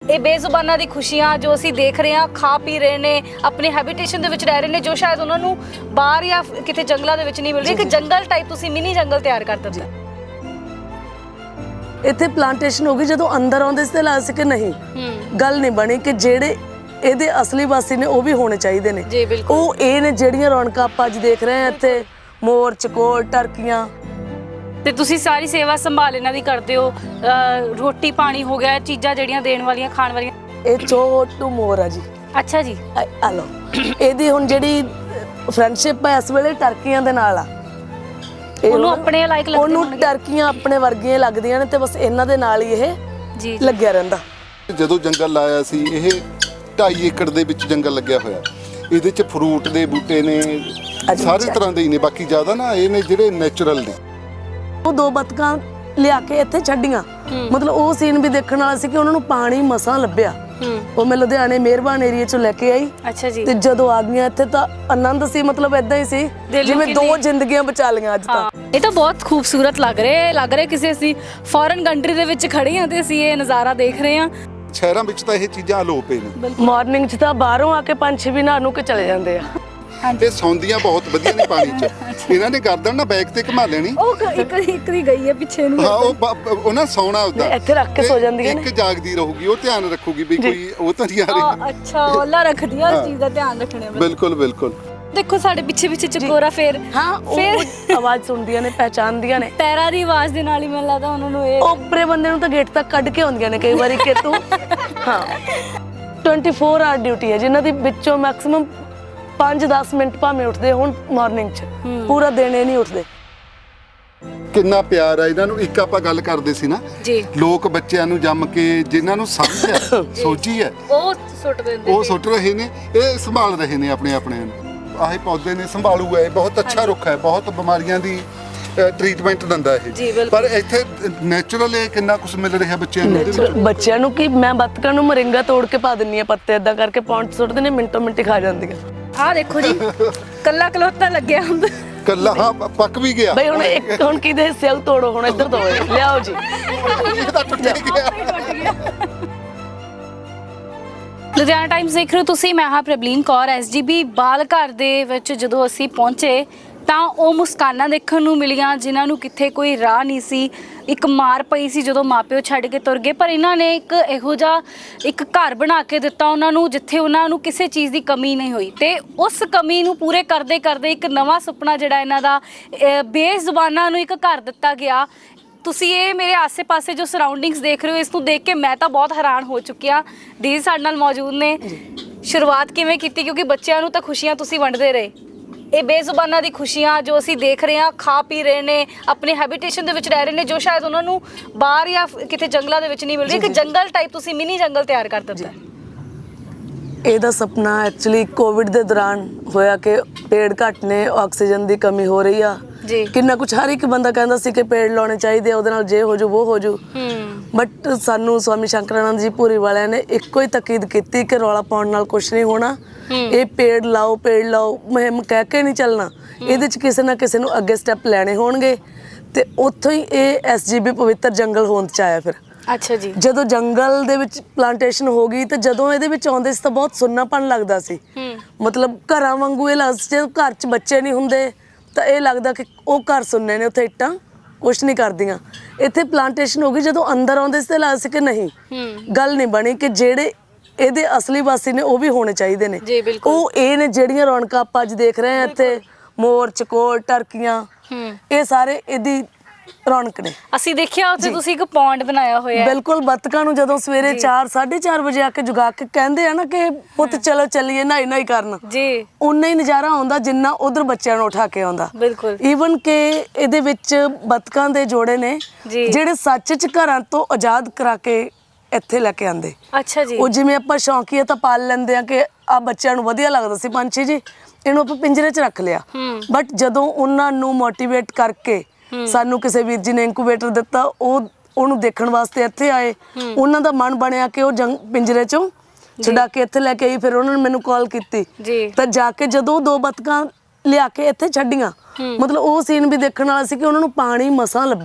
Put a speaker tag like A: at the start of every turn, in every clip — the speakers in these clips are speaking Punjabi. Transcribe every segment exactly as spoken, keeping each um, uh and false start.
A: ਇਹ ਬੇਜ਼ੁਬਾਨਾਂ ਦੀ ਖੁਸ਼ੀਆਂ ਜੋ ਅਸੀਂ ਦੇਖ ਰਹੇ ਹਾਂ, ਖਾ ਪੀ ਰਹੇ ਨੇ, ਆਪਣੇ ਹੈਬਿਟੇਸ਼ਨ ਦੇ ਵਿੱਚ ਰਹਿ ਰਹੇ ਨੇ, ਜੋ ਸ਼ਾਇਦ ਉਹਨਾਂ ਨੂੰ ਬਾਹਰ ਜਾਂ ਕਿਤੇ ਜੰਗਲਾਂ ਦੇ ਵਿੱਚ ਨਹੀਂ ਮਿਲ ਰਹੀ। ਇੱਕ ਜੰਗਲ ਟਾਈਪ ਤੁਸੀਂ ਮਿਨੀ ਜੰਗਲ ਤਿਆਰ ਕਰ ਦਿੱਤਾ।
B: ਇੱਥੇ ਪਲਾਂਟੇਸ਼ਨ ਹੋ ਗਈ, ਜਦੋਂ ਅੰਦਰ ਆਉਂਦੇ ਸੀ ਤਾਂ ਲੱਗਦਾ ਸੀ ਕਿ ਨਹੀਂ ਗੱਲ ਨਹੀਂ ਬਣੀ ਕਿ ਜਿਹੜੇ ਇਹਦੇ ਅਸਲੀ ਵਾਸੀ ਨੇ ਉਹ ਵੀ ਹੋਣੇ ਚਾਹੀਦੇ ਨੇ।
A: ਜੀ ਬਿਲਕੁਲ।
B: ਉਹ ਇਹ ਨੇ ਜਿਹੜੀਆਂ ਰੌਣਕਾਂ ਆਪਾਂ ਅੱਜ ਦੇਖ ਰਹੇ ਹਾਂ ਇੱਥੇ, ਮੋਰ, ਚਕੋਰ, ਟਰਕੀਆਂ।
A: ਤੇ ਤੁਸੀਂ ਸਾਰੀ ਸੇਵਾ ਸੰਭਾਲ ਇਹਨਾਂ ਦੀ ਕਰਦੇ ਹੋ, ਰੋਟੀ ਪਾਣੀ ਹੋ ਗਿਆ, ਚੀਜ਼ਾਂ ਜਿਹੜੀਆਂ ਦੇਣ ਵਾਲੀਆਂ, ਖਾਣ ਵਾਲੀਆਂ।
B: ਇਹ ਛੋਟੂ ਮੋਰ ਆ ਜੀ।
A: ਅੱਛਾ ਜੀ।
B: ਆ ਲਓ, ਇਹਦੀ ਹੁਣ ਜਿਹੜੀ ਫਰੈਂਡਸ਼ਿਪ ਹੈ ਇਸ ਵੇਲੇ ਟਰਕੀਆਂ ਦੇ ਨਾਲ ਆ।
A: ਉਹਨੂੰ ਆਪਣੇ ਲਾਇਕ ਲੱਗਦੇ
B: ਉਹਨੂੰ ਟਰਕੀਆਂ ਆਪਣੇ ਵਰਗੀਆਂ ਲੱਗਦੀਆਂ ਨੇ ਤੇ ਬਸ ਇਹਨਾਂ ਦੇ ਨਾਲ ਹੀ ਇਹ
A: ਜੀ
B: ਲੱਗਿਆ ਰਹਿੰਦਾ।
C: ਜਦੋਂ ਜੰਗਲ ਲਾਇਆ ਸੀ, ਇਹ ਢਾਈ ਏਕੜ ਦੇ ਵਿੱਚ ਜੰਗਲ ਲੱਗਿਆ ਹੋਇਆ। ਇਹਦੇ 'ਚ ਫਰੂਟ ਦੇ ਬੂਟੇ ਨੇ, ਸਾਰੇ ਤਰ੍ਹਾਂ ਦੇ ਹੀ ਨੇ। ਬਾਕੀ ਜ਼ਿਆਦਾ ਨਾ ਇਹ ਨੇ ਜਿਹੜੇ ਨੈਚੁਰਲ ਨੇ।
B: ਉਹ ਦੋ ਬਤਕਾਂ ਲਿਆ ਕੇ ਇੱਥੇ ਛੱਡੀਆਂ, ਮਤਲਬ ਉਹ ਸੀਨ ਵੀ ਦੇਖਣ ਵਾਲਾ ਸੀ ਕਿ ਉਹਨਾਂ ਨੂੰ ਪਾਣੀ ਮਸਾਂ ਲੱਭਿਆ। ਉਹ ਮੈਂ ਲੁਧਿਆਣੇ ਮਿਹਰਬਾਨ ਏਰੀਆ ਚੋਂ ਲੈ ਕੇ ਆਈ।
A: ਅੱਛਾ ਜੀ।
B: ਤੇ ਜਦੋਂ ਆ ਗਈਆਂ ਇੱਥੇ ਤਾਂ ਆਨੰਦ ਸੀ, ਮਤਲਬ ਏਦਾਂ ਹੀ ਸੀ ਜਿਵੇਂ ਦੋ ਜ਼ਿੰਦਗੀਆਂ ਬਚਾ ਲਈਆਂ ਅੱਜ ਤਾਂ।
A: ਇਹ ਤਾਂ ਬਹੁਤ ਖੂਬਸੂਰਤ ਲੱਗ ਰਿਹਾ ਲੱਗ ਰਿਹਾ ਕਿਸੇ ਅਸੀਂ ਫੋਰਨ ਕੰਟਰੀ ਦੇ ਵਿੱਚ ਖੜੇ ਹਾਂ ਤੇ ਅਸੀਂ ਇਹ ਨਜ਼ਾਰਾ ਦੇਖ ਰਹੇ ਹਾਂ।
C: ਸ਼ਹਿਰਾਂ ਵਿੱਚ ਤਾਂ ਇਹ ਚੀਜ਼ਾਂ ਅਲੋਪ ਨੇ।
B: ਮਾਰਨਿੰਗ 'ਚ ਤਾਂ ਬਾਹਰੋਂ ਆ ਕੇ ਪੰਛੀ ਵੀ ਨਹਾ ਨੂੰ ਕੇ ਚਲੇ ਜਾਂਦੇ ਆ।
C: ਇਹ ਸੌਂਦੀਆਂ ਬਹੁਤ ਵਧੀਆ ਨੇ ਪਾਣੀ 'ਚ। ਇਹਨਾਂ ਨੇ ਗਰਦਨ ਨਾ ਬੈਕ ਤੇ ਘੁਮਾ ਲੈਣੀ।
A: ਉਹ ਇੱਕ ਇੱਕ ਦੀ ਗਈ ਹੈ ਪਿੱਛੇ ਨੂੰ।
C: ਹਾਂ, ਉਹ ਉਹਨਾਂ ਸੌਣਾ ਉਦਾਂ
B: ਇੱਥੇ ਰੱਖ ਕੇ ਸੋ ਜਾਂਦੀਆਂ ਨੇ।
C: ਇੱਕ ਜਾਗਦੀ ਰਹੂਗੀ, ਉਹ ਧਿਆਨ ਰੱਖੂਗੀ ਵੀ ਕੋਈ ਉਹ ਤਾਂ ਨਹੀਂ ਆ ਰਹੀ।
A: ਅੱਛਾ, ਉਹਲਾ ਰੱਖਦੀ ਆ, ਉਸ ਚੀਜ਼ ਦਾ ਧਿਆਨ ਰੱਖਣਾ।
C: ਬਿਲਕੁਲ ਬਿਲਕੁਲ।
A: ਦੇਖੋ ਸਾਡੇ ਪਿੱਛੇ ਪਿੱਛੇ ਚਕੋਰਾ ਫੇਰ
B: ਹਾਂ, ਫਿਰ ਆਵਾਜ਼ ਸੁਣਦੀਆਂ ਨੇ, ਪਹਿਚਾਨਦੀਆਂ ਨੇ।
A: ਪੈਰਾਂ ਦੀ ਆਵਾਜ਼ ਦੇ ਨਾਲ ਹੀ ਮੈਨੂੰ ਲੱਗਦਾ ਉਹਨਾਂ ਨੂੰ ਇਹ
B: ਓਪਰੇ ਬੰਦੇ ਨੂੰ ਤਾਂ ਗੇਟ ਤੱਕ ਕੱਢ ਕੇ ਆਉਂਦੀਆਂ ਨੇ ਕਈ ਵਾਰੀ ਕਿ ਤੂੰ। ਹਾਂ, ਚੌਵੀ ਆਵਰ ਡਿਊਟੀ ਹੈ ਜਿਨ੍ਹਾਂ ਦੀ ਵਿੱਚੋਂ ਮੈਕਸਿਮਮ ਪੰਜ ਦਸ ਮਿੰਟ ਭਾਵੇਂ ਉੱਠਦੇ ਹੁਣ ਮਾਰਨਿੰਗ 'ਚ, ਪੂਰਾ ਦਿਨ ਇਹ ਨਹੀਂ ਉੱਠਦੇ।
C: ਕਿੰਨਾ ਪਿਆਰ ਆ ਇਹਨਾਂ ਨੂੰ। ਇੱਕ ਆਪਾਂ ਗੱਲ ਕਰਦੇ ਸੀ ਨਾ
A: ਜੀ,
C: ਲੋਕ ਬੱਚਿਆਂ ਨੂੰ ਜੰਮ ਕੇ ਜਿਨ੍ਹਾਂ ਨੂੰ ਸਮਝ ਹੈ, ਸੋਝੀ ਹੈ,
A: ਉਹ ਸੁੱਟ ਦਿੰਦੇ,
C: ਉਹ ਸੁੱਟ ਰਹੇ ਨੇ। ਇਹ ਸੰਭਾਲ ਰਹੇ ਨੇ ਆਪਣੇ ਆਪਣੇ ਨੂੰ। ਆਹੇ ਪੌਦੇ ਨੇ, ਸੰਭਾਲੂ ਹੈ, ਬਹੁਤ ਅੱਛਾ ਰੁੱਖ ਹੈ, ਬਹੁਤ ਬਿਮਾਰੀਆਂ ਦੀ ਟ੍ਰੀਟਮੈਂਟ ਦਿੰਦਾ ਇਹ। ਪਰ ਇੱਥੇ ਨੈਚੁਰਲ ਇਹ ਕਿੰਨਾ ਕੁਝ ਮਿਲ ਰਿਹਾ ਬੱਚਿਆਂ ਨੂੰ ਇਹਦੇ ਵਿੱਚ।
B: ਬੱਚਿਆਂ ਨੂੰ ਕੀ, ਮੈਂ ਬੱਤਕਾਂ ਨੂੰ ਮਰਿੰਗਾ ਤੋੜ ਕੇ ਪਾ ਦਿੰਨੀ ਆ ਪੱਤੇ, ਏਦਾਂ ਕਰਕੇ ਪੌਂਟ ਸੁੱਟਦੇ ਨੇ, ਮਿੰਟੋ ਮਿੰਟੀ ਖਾ ਜਾਂਦੀਆਂ।
A: ਆਹ ਦੇਖੋ ਜੀ, ਕੱਲਾ ਕਲੋਤਾ ਲੱਗਿਆ ਹੁੰਦਾ।
C: ਕੱਲਾ ਹਾਂ, ਪੱਕ ਵੀ ਗਿਆ
B: ਬਈ ਹੁਣ ਇੱਕ ਹੁਣ ਕਿਹਦੇ ਹਿੱਸੇ ਨੂੰ ਤੋੜੋ, ਹੁਣ ਇੱਧਰ ਦੋ ਲਿਆਓ ਜੀ।
C: ਇਹ ਤਾਂ ਟੁੱਟ ਗਿਆ।
A: ਲੁਧਿਆਣਾ ਟਾਈਮਸ ਦੇਖ ਰਹੇ ਹੋ ਤੁਸੀਂ। ਮੈਂ ਹਾਂ ਪ੍ਰਬਲੀਨ ਕੌਰ। ਐਸਜੀਬੀ ਬਾਲ ਘਰ ਦੇ ਵਿੱਚ ਜਦੋਂ ਅਸੀਂ ਪਹੁੰਚੇ ਤਾਂ ਉਹ ਮੁਸਕਾਨਾਂ ਦੇਖਣ ਨੂੰ ਮਿਲੀਆਂ ਜਿਨ੍ਹਾਂ ਨੂੰ ਕਿੱਥੇ ਕੋਈ ਰਾਹ ਨਹੀਂ ਸੀ। ਇੱਕ ਮਾਰ ਪਈ ਸੀ ਜਦੋਂ ਮਾਪਿਓ ਛੱਡ ਕੇ ਤੁਰ ਗਏ, ਪਰ ਇਹਨਾਂ ਨੇ ਇੱਕ ਇਹੋ ਜਿਹਾ ਇੱਕ ਘਰ ਬਣਾ ਕੇ ਦਿੱਤਾ ਉਹਨਾਂ ਨੂੰ ਜਿੱਥੇ ਉਹਨਾਂ ਨੂੰ ਕਿਸੇ ਚੀਜ਼ ਦੀ ਕਮੀ ਨਹੀਂ ਹੋਈ। ਤੇ ਉਸ ਕਮੀ ਨੂੰ ਪੂਰੇ ਕਰਦੇ ਕਰਦੇ ਇੱਕ ਨਵਾਂ ਸੁਪਨਾ ਜਿਹੜਾ ਇਹਨਾਂ ਦਾ, ਬੇਜ਼ੁਬਾਨਾਂ ਨੂੰ ਇੱਕ ਘਰ ਦਿੱਤਾ ਗਿਆ। ਤੁਸੀਂ ਇਹ ਮੇਰੇ ਆਸੇ-ਪਾਸੇ ਜੋ ਸਰਾਊਂਡਿੰਗਸ ਦੇਖ ਰਹੇ ਹੋ, ਇਸ ਨੂੰ ਦੇਖ ਕੇ ਮੈਂ ਤਾਂ ਬਹੁਤ ਹੈਰਾਨ ਹੋ ਚੁੱਕੀ ਹਾਂ। ਦੀਦੀ ਸਾਡੇ ਨਾਲ ਮੌਜੂਦ ਨੇ। ਸ਼ੁਰੂਆਤ ਕਿਵੇਂ ਕੀਤੀ, ਕਿਉਂਕਿ ਬੱਚਿਆਂ ਨੂੰ ਤਾਂ ਖੁਸ਼ੀਆਂ ਤੁਸੀਂ ਵੰਡਦੇ ਰਹੇ। ਇਹ ਬੇਜ਼ੁਬਾਨਾਂ ਦੀ ਖੁਸ਼ੀਆਂ ਜੋ ਅਸੀਂ ਦੇਖ ਰਹੇ ਹਾਂ, ਖਾ ਪੀ ਰਹੇ ਨੇ, ਆਪਣੇ ਹੈਬਿਟੇਸ਼ਨ ਦੇ ਵਿੱਚ ਰਹਿ ਰਹੇ ਨੇ, ਜੋ ਸ਼ਾਇਦ ਉਹਨਾਂ ਨੂੰ ਬਾਹਰ ਜਾਂ ਕਿਤੇ ਜੰਗਲਾਂ ਦੇ ਵਿੱਚ ਨਹੀਂ ਮਿਲ ਰਹੀ। ਇੱਕ ਜੰਗਲ ਟਾਈਪ ਤੁਸੀਂ ਮਿਨੀ ਜੰਗਲ ਤਿਆਰ ਕਰ ਦਿੱਤਾ।
B: ਇਹਦਾ ਸੁਪਨਾ ਐਕਚੁਅਲੀ ਕੋਵਿਡ ਦੇ ਦੌਰਾਨ ਹੋਇਆ ਕਿ ਪੇੜ ਘੱਟ ਨੇ, ਆਕਸੀਜਨ ਦੀ ਕਮੀ ਹੋ ਰਹੀ ਆ
A: ਜੀ।
B: ਕਿੰਨਾ ਕੁਝ ਹਰ ਇੱਕ ਬੰਦਾ ਕਹਿੰਦਾ ਸੀ ਕਿ ਪੇੜ ਲਾਉਣੇ ਚਾਹੀਦੇ, ਉਹਦੇ ਨਾਲ ਜੇ ਹੋ ਜੂ ਉਹ ਹੋ ਜੂ। ਬਟ ਸਾਨੂੰ ਸਵਾਮੀ ਸ਼ੰਕਰਾਨੰਦ ਜੀ ਭੂਰੀ ਵਾਲਿਆਂ ਨੇ ਇੱਕੋ ਹੀ ਤਕੀਦ ਕੀਤੀ ਕਿ ਰੌਲਾ ਪਾਉਣ ਨਾਲ ਕੁਝ ਨਹੀਂ ਹੋਣਾ। ਇਹ ਪੇੜ ਲਾਓ ਪੇੜ ਲਾਓ ਮੁਹਿੰਮ ਕਹਿ ਕੇ ਨਹੀਂ ਚੱਲਣਾ, ਇਹਦੇ 'ਚ ਕਿਸੇ ਨਾ ਕਿਸੇ ਨੂੰ ਅੱਗੇ ਸਟੈਪ ਲੈਣੇ ਹੋਣਗੇ। ਤੇ ਉੱਥੋਂ ਹੀ ਇਹ ਐਸਜੀਬੀ ਪਵਿੱਤਰ ਜੰਗਲ ਹੋਂਦ 'ਚ ਆਇਆ। ਫਿਰ
A: ਅੱਛਾ ਜੀ, ਜਦੋਂ
B: ਜੰਗਲ ਦੇ ਵਿੱਚ ਪਲਾਂਟੇਸ਼ਨ ਹੋ ਗਈ ਤੇ ਜਦੋਂ ਇਹਦੇ ਵਿੱਚ ਆਉਂਦੇ ਸੀ ਤਾਂ ਬਹੁਤ ਸੁੰਨਾਪਣ ਲੱਗਦਾ ਸੀ। ਮਤਲਬ ਘਰਾਂ ਵਾਂਗੂ ਇਹ ਲੱਗਦਾ ਸੀ, ਜਦੋਂ ਘਰ 'ਚ ਬੱਚੇ ਨਹੀਂ ਹੁੰਦੇ ਤਾਂ ਇਹ ਲੱਗਦਾ ਕਿ ਉਹ ਘਰ ਸੁੰਨੇ ਨੇ, ਉੱਥੇ ਇੱਟਾਂ ਕੁਛ ਨਹੀਂ ਕਰਦੀਆਂ। ਇੱਥੇ ਪਲਾਂਟੇਸ਼ਨ ਹੋ ਗਈ, ਜਦੋਂ ਅੰਦਰ ਆਉਂਦੇ ਸੀ ਤਾਂ ਲੱਗਦਾ ਸੀ ਕਿ ਨਹੀਂ ਗੱਲ ਨਹੀਂ ਬਣੀ ਕਿ ਜਿਹੜੇ ਇਹਦੇ ਅਸਲੀ ਵਾਸੀ ਨੇ ਉਹ ਵੀ ਹੋਣੇ ਚਾਹੀਦੇ ਨੇ। ਉਹ ਇਹ ਨੇ ਜਿਹੜੀਆਂ ਰੌਣਕਾਂ ਆਪਾਂ ਅੱਜ ਦੇਖ ਰਹੇ ਹਾਂ ਇੱਥੇ, ਮੋਰ, ਚਕੋਰ, ਟਰਕੀਆਂ, ਇਹ ਸਾਰੇ ਇਹਦੀ ਰੌਣਕ ਨੇ।
A: ਅਸੀਂ ਦੇਖਿਆ ਉੱਥੇ ਤੁਸੀਂ ਇੱਕ ਪੌਂਡ ਬਣਾਇਆ ਹੋਇਆ।
B: ਬਿਲਕੁਲ, ਬੱਤਕਾਂ ਨੂੰ ਜਦੋਂ ਸਵੇਰੇ ਚਾਰ ਸਾਢੇ ਚਾਰ ਵਜੇ ਆ ਕੇ ਜਗਾ ਕੇ ਕਹਿੰਦੇ ਆ ਨਾ ਕਿ ਪੁੱਤ ਚਲੋ ਚੱਲੀਏ ਨਹਾਈ ਨਹਾਈ ਕਰਨ ਜੀ, ਉਨਾ ਹੀ ਨਜ਼ਾਰਾ ਆਉਂਦਾ ਜਿੰਨਾ ਉਧਰ ਬੱਚਿਆਂ ਨੂੰ ਉਠਾ ਕੇ ਆਉਂਦਾ। ਬਿਲਕੁਲ, ਈਵਨ ਕਿ ਇਹਦੇ ਵਿੱਚ ਬੱਤਕਾਂ ਦੇ ਜੋੜੇ ਨੇ ਜਿਹੜੇ ਸੱਚ 'ਚ ਘਰਾਂ ਤੋਂ ਆਜ਼ਾਦ ਕਰਾ ਕੇ ਇੱਥੇ ਲੈ ਕੇ ਆਂਦੇ। ਅੱਛਾ ਜੀ। ਉਹ ਜਿਵੇਂ ਆਪਾਂ ਸ਼ੌਂਕੀਆ ਤਾਂ ਪਾਲ ਲੈਂਦੇ ਆ ਕਿ ਆ ਬੱਚਿਆਂ ਨੂੰ ਵਧੀਆ ਲੱਗਦਾ ਸੀ ਪੰਛੀ ਜੀ, ਇਹਨੂੰ ਆਪਾਂ ਪਿੰਜਰੇ 'ਚ ਰੱਖ ਲਿਆ। ਬਟ ਜਦੋਂ ਉਹਨਾਂ ਨੂੰ ਮੋਟੀਵੇਟ ਕਰਕੇ ਸਾਨੂੰ ਕਿਸੇ ਵੀਰ ਜੀ ਨੇ ਇਨਕੂਬੇਟਰ ਦਿੱਤਾ, ਉਹ ਉਹਨੂੰ ਦੇਖਣ ਵਾਸਤੇ ਇੱਥੇ ਆਏ। ਉਹਨਾਂ ਦਾ ਮਨ ਬਣਿਆ ਕਿ ਉਹ ਜੰਗ ਪਿੰਜਰੇ 'ਚੋਂ ਛੁਡਾ ਕੇ ਇੱਥੇ ਲੈ ਕੇ ਆਈ। ਫਿਰ ਉਹਨਾਂ ਨੇ ਮੈਨੂੰ ਕਾਲ ਕੀਤੀ ਤਾਂ ਜਾ ਕੇ ਜਦੋਂ ਦੋ ਬਤਕਾਂ ਲਿਆ ਕੇ ਇੱਥੇ ਛੱਡੀਆਂ, ਮਤਲਬ ਉਹ ਸੀਨ ਵੀ ਦੇਖਣ ਵਾਲਾ ਸੀ ਕਿ ਉਹਨਾਂ ਨੂੰ ਪਾਣੀ ਮਸਾਂ ਲੱਭਿਆ।